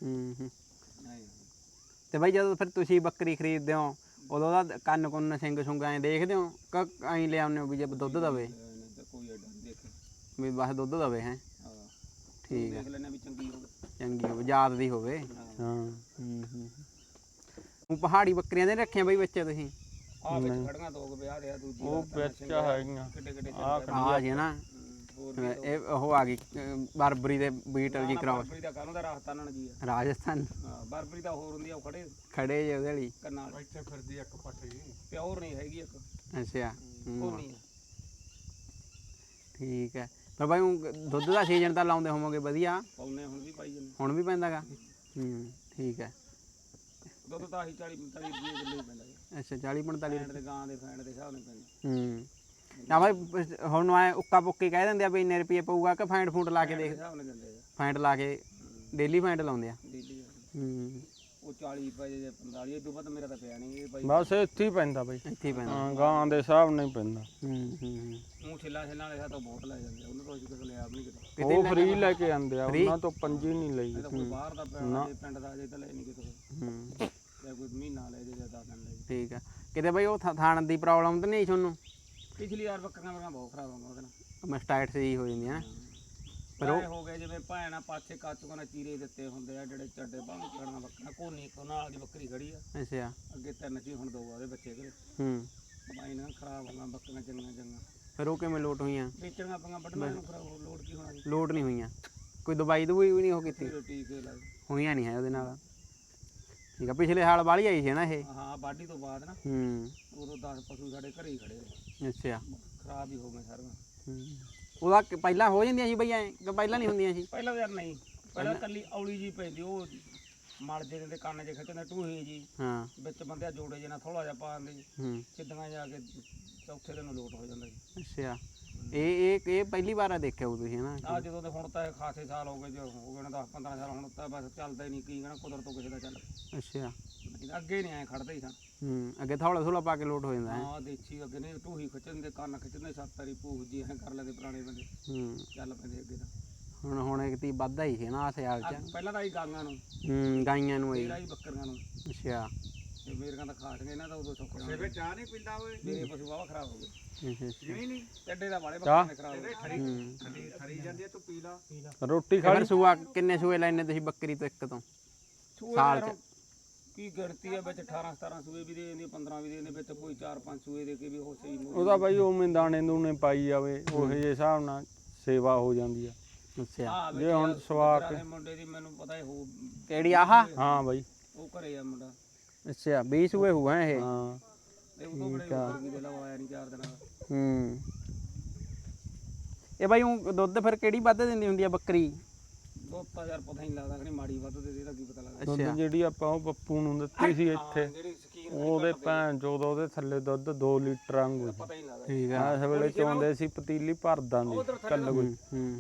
Speaker 1: ਤੇ ਬਾਈ ਜਦੋਂ ਫਿਰ ਤੁਸੀਂ ਬੱਕਰੀ ਖਰੀਦਦੇ ਹੋ ਉਦੋਂ ਦਾ ਕੰਨ ਕੁੰਨ ਸਿੰਘ ਸੁੰਗ ਐਂ ਦੇਖਦੇ ਹੋ ਕਿ ਐਂ ਲਿਆਉਂਦੇ ਹੋ ਵੀ ਜੇ ਦੁੱਧ ਦਵੇ?
Speaker 3: ਕੋਈ ਐਡਾ ਨਹੀਂ ਦੇਖੇ
Speaker 1: ਵੀ ਬਸ ਦੁੱਧ ਦਵੇ ਹੈ। ਠੀਕ ਆ
Speaker 3: ਦੇਖ ਲੈਣੇ ਵੀ ਚੰਗੀ ਹੋਵੇ,
Speaker 1: ਚੰਗੀ ਹੋਵੇ, ਯਾਦ ਦੀ ਹੋਵੇ।
Speaker 2: ਹਾਂ
Speaker 1: ਉਹ ਪਹਾੜੀ ਬੱਕਰੀਆਂ ਦੇ ਰੱਖੀਆਂ ਬਈ ਬੱਚੇ ਤੁਸੀਂ
Speaker 3: ਆ ਵਿੱਚ ਖੜੀਆਂ ਦੋ ਕੁ ਵਿਆਹ ਦੇ ਆ ਦੂਜੀ
Speaker 2: ਉਹ ਵਿੱਚ ਹੈਗੀਆਂ
Speaker 3: ਕਿੱਡੇ ਕਿੱਡੇ
Speaker 1: ਆ ਜੇ ਨਾ
Speaker 3: ਹੋਰ ਵੀ
Speaker 1: ਇਹ ਉਹ ਆ ਗਈ ਬਰਬਰੀ ਦੇ ਬੀਟਲ ਜੀ ਕਰਾਓ
Speaker 3: ਬਰਬਰੀ ਦਾ ਕਾਹਨੂੰ ਦਾ ਰਾਜਸਥਾਨ ਜੀ ਆ
Speaker 1: ਰਾਜਸਥਾਨ
Speaker 3: ਹਾਂ ਬਰਬਰੀ ਦਾ ਹੋਰ ਹੁੰਦੀ ਆ ਉਹ ਖੜੇ
Speaker 1: ਖੜੇ ਜੇ ਉਹਦੇ ਵਾਲੀ
Speaker 3: ਕੰਨਾਂ ਵਾਲੀ
Speaker 2: ਇੱਥੇ ਫਿਰਦੀ ਇੱਕ ਪੱਠੀ
Speaker 3: ਪਿਓਰ ਨਹੀਂ ਹੈਗੀ ਇੱਕ
Speaker 1: ਅੱਛਾ
Speaker 3: ਉਹ ਨਹੀਂ
Speaker 1: ਠੀਕ ਹੈ ਪਰ ਬਾਈ ਊਂ ਦੁੱਧ ਦਾ ਸੀਜ਼ਨ ਤਾਂ ਲਾਉਂਦੇ ਹੋਵੋਗੇ ਵਧੀਆ
Speaker 3: ਪਾਉਨੇ ਹੁਣ ਵੀ ਪਾਈ ਜਾਂਦੇ
Speaker 1: ਹੁਣ ਵੀ ਪੈਂਦਾਗਾ ਠੀਕ ਹੈ
Speaker 3: ਦੁੱਧ ਤਾਂ ਆਹੀ 40 45 ਰੁਪਏ ਕਿਲੋ ਹੀ ਪੈਂਦਾ ਜੀ
Speaker 1: ਅੱਛਾ 40 45
Speaker 3: ਫੈਂਟ ਦੇ ਗਾਂ ਦੇ ਫੈਂਟ ਦੇ ਹਿਸਾਬ ਨਾਲ ਪੈਂਦਾ
Speaker 1: ਨਾ ਬਾਈ ਹੁਣ ਐ ਉੱਕਾ ਪੁੱਕੀ ਕਹਿ ਦਿੰਦੇ ਆ ਵੀ ਇੰਨੇ ਰੁਪਏ ਪਊਗਾ ਕਿ ਫੈਂਟ ਫੂਟ ਲਾ ਕੇ ਦੇਖ
Speaker 3: ਹਿਸਾਬ ਨਾਲ ਦਿੰਦੇ ਆ
Speaker 1: ਫੈਂਟ ਲਾ ਕੇ ਡੇਲੀ ਫੈਂਟ ਲਾਉਂਦੇ ਆ
Speaker 3: ਡੇਲੀ
Speaker 1: ਹੂੰ
Speaker 3: ਉਹ 40 ਰੁਪਏ ਜੇ 45 ਇਹ ਤੋਂ ਵੱਧ ਮੇਰਾ ਤਾਂ ਪਿਆ ਨਹੀਂ ਇਹ ਬਾਈ
Speaker 2: ਬਸ ਇੱਥੇ ਹੀ ਪੈਂਦਾ ਬਈ
Speaker 1: ਇੱਥੇ ਹੀ ਪੈਂਦਾ
Speaker 2: ਹਾਂ ਗਾਂ ਦੇ ਹਿਸਾਬ ਨਾਲ ਹੀ ਪੈਂਦਾ
Speaker 3: ਉਹ ਛਿੱਲਾ ਛਿੱਲਾਂ ਵਾਲੇ ਤੋਂ ਬਹੁਤ ਲੈ ਜਾਂਦੇ ਉਹਨਾਂ ਤੋਂ ਅਸੀਂ ਕਿਸੇ ਲਿਆ ਵੀ ਨਹੀਂ ਕਿਤੇ
Speaker 2: ਉਹ ਫ੍ਰੀ ਲੈ ਕੇ ਆਂਦੇ ਆ ਉਹਨਾਂ ਤੋਂ ਪੰਜੀ ਨਹੀਂ ਲਈ
Speaker 3: ਇਹ ਤਾਂ ਕੋਈ ਬਾਹਰ ਦਾ ਪਿਆ ਜੇ ਪਿੰਡ ਦਾ ਜੇ ਤਾਂ ਲੈ ਨਹੀਂ ਕਿਤੇ
Speaker 1: ਹੂੰ
Speaker 3: ਜਾਂ ਕੋਈ ਮਹੀਨਾ ਲੈ ਜੇ ਜਾਂ 10 ਦਿਨ ਲੈ ਜੇ
Speaker 1: ਠੀਕ ਆ ਕਿਤੇ ਬਾਈ ਉਹ ਥਾਣ ਦੀ ਪ੍ਰੋਬਲਮ ਤਾਂ ਨਹੀਂ ਤੁਹਾਨੂੰ
Speaker 3: ਪਿਛਲੀ ਵਾਰ ਬੱਕਰੀਆਂ ਮੇਰੀਆਂ ਬਹੁਤ ਖਰਾਬ ਹੋਈਆਂ ਉਹਦੇ ਨਾਲ
Speaker 1: ਮਸਟਾਈਟ ਸੀ ਹੋ ਜਾਂਦੀ ਹੈ
Speaker 3: ਪਰ ਉਹ ਹੋ ਗਏ ਜਿਵੇਂ ਭੈਣਾ ਪਾਛੇ ਕਾਚੂਆਂ ਨਾਲ ਚੀਰੇ ਦਿੱਤੇ ਹੁੰਦੇ ਆ ਜਿਹੜੇ ਚੱਡੇ ਬਾਹਰ ਕਰਨਾ ਬੱਕਰਾ ਕੋਨੀ ਕੋ ਨਾਲ ਦੀ ਬੱਕਰੀ ਖੜੀ ਆ
Speaker 1: ਅੱਛਾ
Speaker 3: ਅੱਗੇ ਤਿੰਨ ਸੀ ਹੁਣ ਦੋ ਆ ਉਹਦੇ ਬੱਚੇ ਘਰੇ
Speaker 1: ਹੂੰ
Speaker 3: ਬਾਈ ਨਾਲ ਖਰਾਬ ਹੋਈਆਂ ਬੱਕਰੀਆਂ ਚੰਗੀਆਂ ਚੰਗੀਆਂ
Speaker 1: ਫਿਰ ਉਹ ਕਿਵੇਂ ਲੋਟ ਹੋਈਆਂ
Speaker 3: ਵੇਚਣੀਆਂ ਪਈਆਂ ਵੱਢਣਾ ਨੂੰ ਖਰਾਬ ਲੋਡ ਕੀ ਹੋਣਾ ਜੀ
Speaker 1: ਲੋਟ ਨਹੀਂ ਹੋਈਆਂ ਕੋਈ ਦਵਾਈ ਦਵਾਈ ਵੀ ਨਹੀਂ ਹੋ ਕੀਤੀ
Speaker 3: ਰੋਟੀ ਕੇ ਲਾਈ
Speaker 1: ਹੋਈਆਂ ਨਹੀਂ ਹੈ ਉਹਦੇ ਨਾਲ ਠੀਕ ਆ ਪਿਛਲੇ ਸਾਲ ਵਾਲੀ ਆਈ ਸੀ ਨਾ ਇਹ
Speaker 3: ਹਾਂ ਬਾਡੀ ਤੋਂ ਬਾਅਦ ਨਾ
Speaker 1: ਹੂੰ
Speaker 3: ਉਦੋਂ 10 ਪਸ਼ੂ ਸਾਡੇ ਘਰੇ ਹੀ ਖੜੇ ਆ।
Speaker 1: ਅੱਛਾ
Speaker 3: ਖਰਾਬ ਹੀ ਹੋ ਗਏ ਸਾਰੀਆਂ
Speaker 1: ਉਹਦਾ ਪਹਿਲਾਂ ਹੋ ਜਾਂਦੀਆਂ ਸੀ ਬਈ ਐ ਕਿ ਪਹਿਲਾਂ ਨਹੀਂ ਹੁੰਦੀਆਂ ਸੀ
Speaker 3: ਪਹਿਲਾਂ ਤਾਂ ਯਾਰ ਨਹੀਂ ਪਹਿਲਾਂ ਕੱਲੀ ਔਲੀ ਜੀ ਪੈਂਦੀ ਉਹ ਮਲ ਜੇ ਦੇ ਕੰਨ ਜੇ ਖਿੱਚਦੇ ਟੂਹੀ ਜੀ
Speaker 1: ਹਾਂ
Speaker 3: ਵਿੱਚ ਬੰਦਿਆ ਜੋੜੇ ਜੇ ਨਾਲ ਥੋੜਾ ਜਿਹਾ ਪਾ ਦਿੰਦੇ ਜੀ
Speaker 1: ਹੂੰ
Speaker 3: ਸਿੱਧੀਆਂ ਜਾ ਕੇ ਚੌਥੇ ਦਿਨ ਨੂੰ ਲੋਟ ਹੋ ਜਾਂਦਾ ਜੀ
Speaker 1: ਅੱਛਾ ਇਹ ਪਹਿਲੀ ਵਾਰ ਆ ਦੇਖਿਆ ਉਹ ਤੁਸੀਂ ਹਨਾ
Speaker 3: ਆ ਜਦੋਂ ਦੇ ਹੁਣ ਤਾਂ ਇਹ ਖਾਸੇ ਸਾਲ ਹੋ ਗਏ ਜੋ ਹੋ ਗਏ ਨੇ 10 15 ਸਾਲ ਹੁਣ ਤਾਂ ਬਸ ਚੱਲਦਾ ਹੀ ਨਹੀਂ ਕੀ ਕਹਿਣਾ ਕੁਦਰਤ ਤੋਂ ਕਿਸੇ ਦਾ ਚੱਲ
Speaker 1: ਅੱਛਾ
Speaker 3: ਅੱਗੇ ਨਹੀਂ ਐ ਖੜਦੇ ਹੀ ਸਨ
Speaker 1: ਅੱਗੇ ਥੋੜਾ ਥੋੜਾ ਪਾ ਕੇ ਲੋਟ ਹੋ ਜਾਂਦਾ ਹੈ
Speaker 3: ਹਾਂ ਦੇਸੀ ਅੱਗੇ ਨਹੀਂ ਟੂਹੀ ਖਿੱਚਦੇ ਕੰਨ ਖਿੱਚਦੇ ਸੱਤ ਵਾਰੀ ਭੂਖ ਜੀ ਐ ਕਰ ਲੈਂਦੇ ਪੁਰਾਣੇ ਬੰਦੇ ਚੱਲ ਪੈਂਦੇ ਅੱਗੇ ਤਾਂ
Speaker 1: ਹੁਣ ਇੱਕ ਤੀ ਵੱਧਦਾ ਹੀ ਸੀ ਨਾ ਆ ਸਿਆਲ ਚ
Speaker 3: ਪਹਿਲਾਂ ਤਾਂ ਹੀ ਗਾਂਗਾਂ ਨੂੰ
Speaker 1: ਗਾਈਆਂ ਨੂੰ ਆਈ
Speaker 3: ਤੇਰਾ ਹੀ ਬੱਕਰੀਆਂ ਨੂੰ
Speaker 1: ਅੱਛਾ
Speaker 3: ਤੇ ਮੇਰੀਆਂ ਤਾਂ ਖਾਟ ਗਏ ਇਹਨਾਂ ਦਾ ਉਦੋਂ ਸੁੱਕ
Speaker 2: ਸੇਵੇ ਚਾਹ ਨਹੀਂ ਪੀਂਦਾ ਓਏ
Speaker 3: ਮੇਰੇ ਪਸ਼ੂ ਵਾਵਾ ਖਰਾਬ ਹੋ ਗਏ
Speaker 1: ਅੱਛਾ
Speaker 2: ਨਹੀਂ
Speaker 3: ਚੱਡੇ ਦਾ ਵਾਲੇ ਬੱਕਰੀਆਂ ਦੇ ਖਰਾਬ ਹੋ ਗਏ
Speaker 2: ਖਰੀ ਜਾਂਦੀ ਤੂੰ ਪੀ ਲਾ ਰੋਟੀ
Speaker 1: ਫਿਰ ਸੂਆ ਕਿੰਨੇ ਸੂਏ ਲੈਣੇ ਤੁਸੀਂ ਬੱਕਰੀ ਤੋਂ ਇੱਕ ਤੋਂ ਸਾਲ ਚ
Speaker 3: ਕੀ ਗਿਣਤੀ ਆ ਵਿੱਚ 18 17 ਸੂਏ ਵੀ ਦੇ ਦਿੰਦੇ 15 ਵੀ ਦੇ ਦਿੰਦੇ ਵਿੱਚ ਕੋਈ 4 5 ਸੂਏ ਦੇ ਕੇ ਵੀ ਉਹ ਸਹੀ
Speaker 2: ਉਹਦਾ ਬਾਈ ਉਵੇਂ ਦਾਣੇ ਦੂਣੇ ਪਾਈ ਜਾਵੇ ਉਹੇ ਜਿਹੇ ਹਿਸਾਬ ਨਾਲ ਸੇਵਾ ਹੋ ਜਾਂਦੀ ਆ
Speaker 1: ਅੱਛਾ
Speaker 2: ਜੇ ਹੁਣ ਸਵਾ ਕੇ
Speaker 3: ਮੁੰਡੇ ਦੀ ਮੈਨੂੰ ਪਤਾ ਹੀ ਹੋ
Speaker 1: ਕਿਹੜੀ ਆਹ
Speaker 2: ਹਾਂ ਬਾਈ
Speaker 3: ਉਹ ਘਰੇ ਆ ਮੁੰਡਾ
Speaker 1: ਅੱਛਾ 20 ਸੂਏ ਹੋਆ ਇਹ
Speaker 2: ਹਾਂ
Speaker 3: ਤੇ ਉਹ ਤੋਂ ਬੜੇ ਬੱਕਰੀ ਦੇ ਲਵਾਇਆ ਨਹੀਂ 4 ਦਿਨਾਂ ਦਾ
Speaker 1: ਇਹ ਬਾਈ ਉਹ ਦੁੱਧ ਫਿਰ ਕਿਹੜੀ ਵੱਧ ਦਿੰਦੀ ਹੁੰਦੀ ਆ ਬੱਕਰੀ
Speaker 3: ਦੁੱਧ ਤਾਂ ਯਾਰ ਪਤਾ ਹੀ ਨਹੀਂ ਲੱਗਦਾ ਕਿ ਮਾੜੀ ਵੱਧ ਦੇ ਇਹਦਾ ਕੀ ਪਤਾ ਲੱਗਦਾ
Speaker 2: ਦੁੱਧ ਜਿਹੜੀ ਆਪਾਂ ਉਹ ਪੱਪੂ ਨੂੰ ਦਿੱਤੀ ਸੀ ਇੱਥੇ
Speaker 3: ਜਿਹੜੀ ਸਕੀਨ
Speaker 2: ਉਹਦੇ ਭੈਣ ਚੋਦ ਉਹਦੇ ਥੱਲੇ ਦੁੱਧ 2 ਲੀਟਰ ਵਾਂਗੂ
Speaker 3: ਪਤਾ ਹੀ ਨਹੀਂ ਲੱਗਦਾ
Speaker 1: ਠੀਕ ਆ
Speaker 2: ਇਸ ਵੇਲੇ ਚੋਂਦੇ ਸੀ ਪਤੀਲੀ ਭਰ ਦਾਂਦੀ ਕੱਲ ਕੋਈ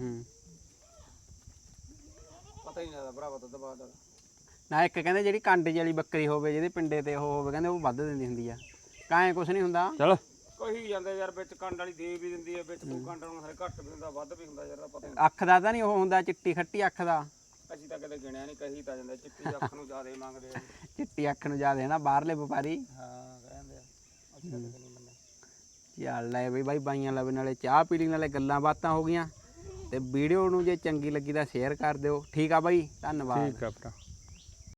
Speaker 3: ਪਤਾ ਹੀ ਨਹੀਂ ਲੱਗਦਾ ਭਰਾਵਾ ਦੁੱਧ ਬਾਅਦ
Speaker 1: ਨਾ ਇੱਕ ਕਹਿੰਦੇ ਜਿਹੜੀ ਕੰਡ ਵਾਲੀ ਬੱਕਰੀ ਹੋਵੇ ਜਿਹਦੇ ਪਿੰਡੇ ਤੇ ਉਹ ਹੋਵੇ ਕਹਿੰਦੇ ਉਹ ਵੱਧ ਦਿੰਦੀ ਹੁੰਦੀ ਆ ਕਾਏ ਕੁਛ ਨਹੀਂ ਹੁੰਦਾ
Speaker 2: ਚਲ
Speaker 3: ਕਹੀ ਜਾਂਦੇ ਯਾਰ ਵਿੱਚ ਕੰਡ ਵਾਲੀ ਦੇ ਵੀ ਦਿੰਦੀ ਹੈ ਵਿੱਚ ਕੋਈ ਕੰਡ ਨੂੰ ਹਰੇ ਘੱਟ ਵੀ ਹੁੰਦਾ ਵੱਧ ਵੀ ਹੁੰਦਾ ਯਾਰ ਦਾ ਪਤਾ ਨਹੀਂ
Speaker 1: ਅੱਖ ਦਾ ਤਾਂ ਨਹੀਂ ਉਹ ਹੁੰਦਾ ਚਿੱਟੀ ਖੱਟੀ ਅੱਖ ਦਾ
Speaker 3: ਅਸੀਂ ਤਾਂ ਕਦੇ ਗਿਣਿਆ ਨਹੀਂ ਕਹੀ ਤਾਂ ਜਾਂਦਾ ਚਿੱਟੀ ਅੱਖ ਨੂੰ ਜ਼ਿਆਦਾ ਮੰਗਦੇ ਆ
Speaker 1: ਚਿੱਟੀ ਅੱਖ ਨੂੰ ਜ਼ਿਆਦਾ ਹੈ ਨਾ ਬਾਹਰਲੇ ਵਪਾਰੀ
Speaker 3: ਹਾਂ ਕਹਿੰਦੇ ਆ ਅਸੀਂ ਤਾਂ ਕਦੇ ਨਹੀਂ ਮੰਨਿਆ
Speaker 1: ਚੱਲ ਲੈ ਬਈ ਬਾਈ ਬਾਈਆਂ ਲਵੇ ਨਾਲੇ ਚਾਹ ਪੀ ਲਈ ਨਾਲੇ ਗੱਲਾਂ ਬਾਤਾਂ ਹੋ ਗਈਆਂ ਤੇ ਵੀਡੀਓ ਨੂੰ ਜੇ ਚੰਗੀ ਲੱਗੀ ਤਾਂ ਸ਼ੇਅਰ ਕਰ ਦਿਓ ਠੀਕ ਆ ਬਾਈ ਧੰਨਵਾਦ
Speaker 2: ਠੀਕ ਆ ਭਰਾ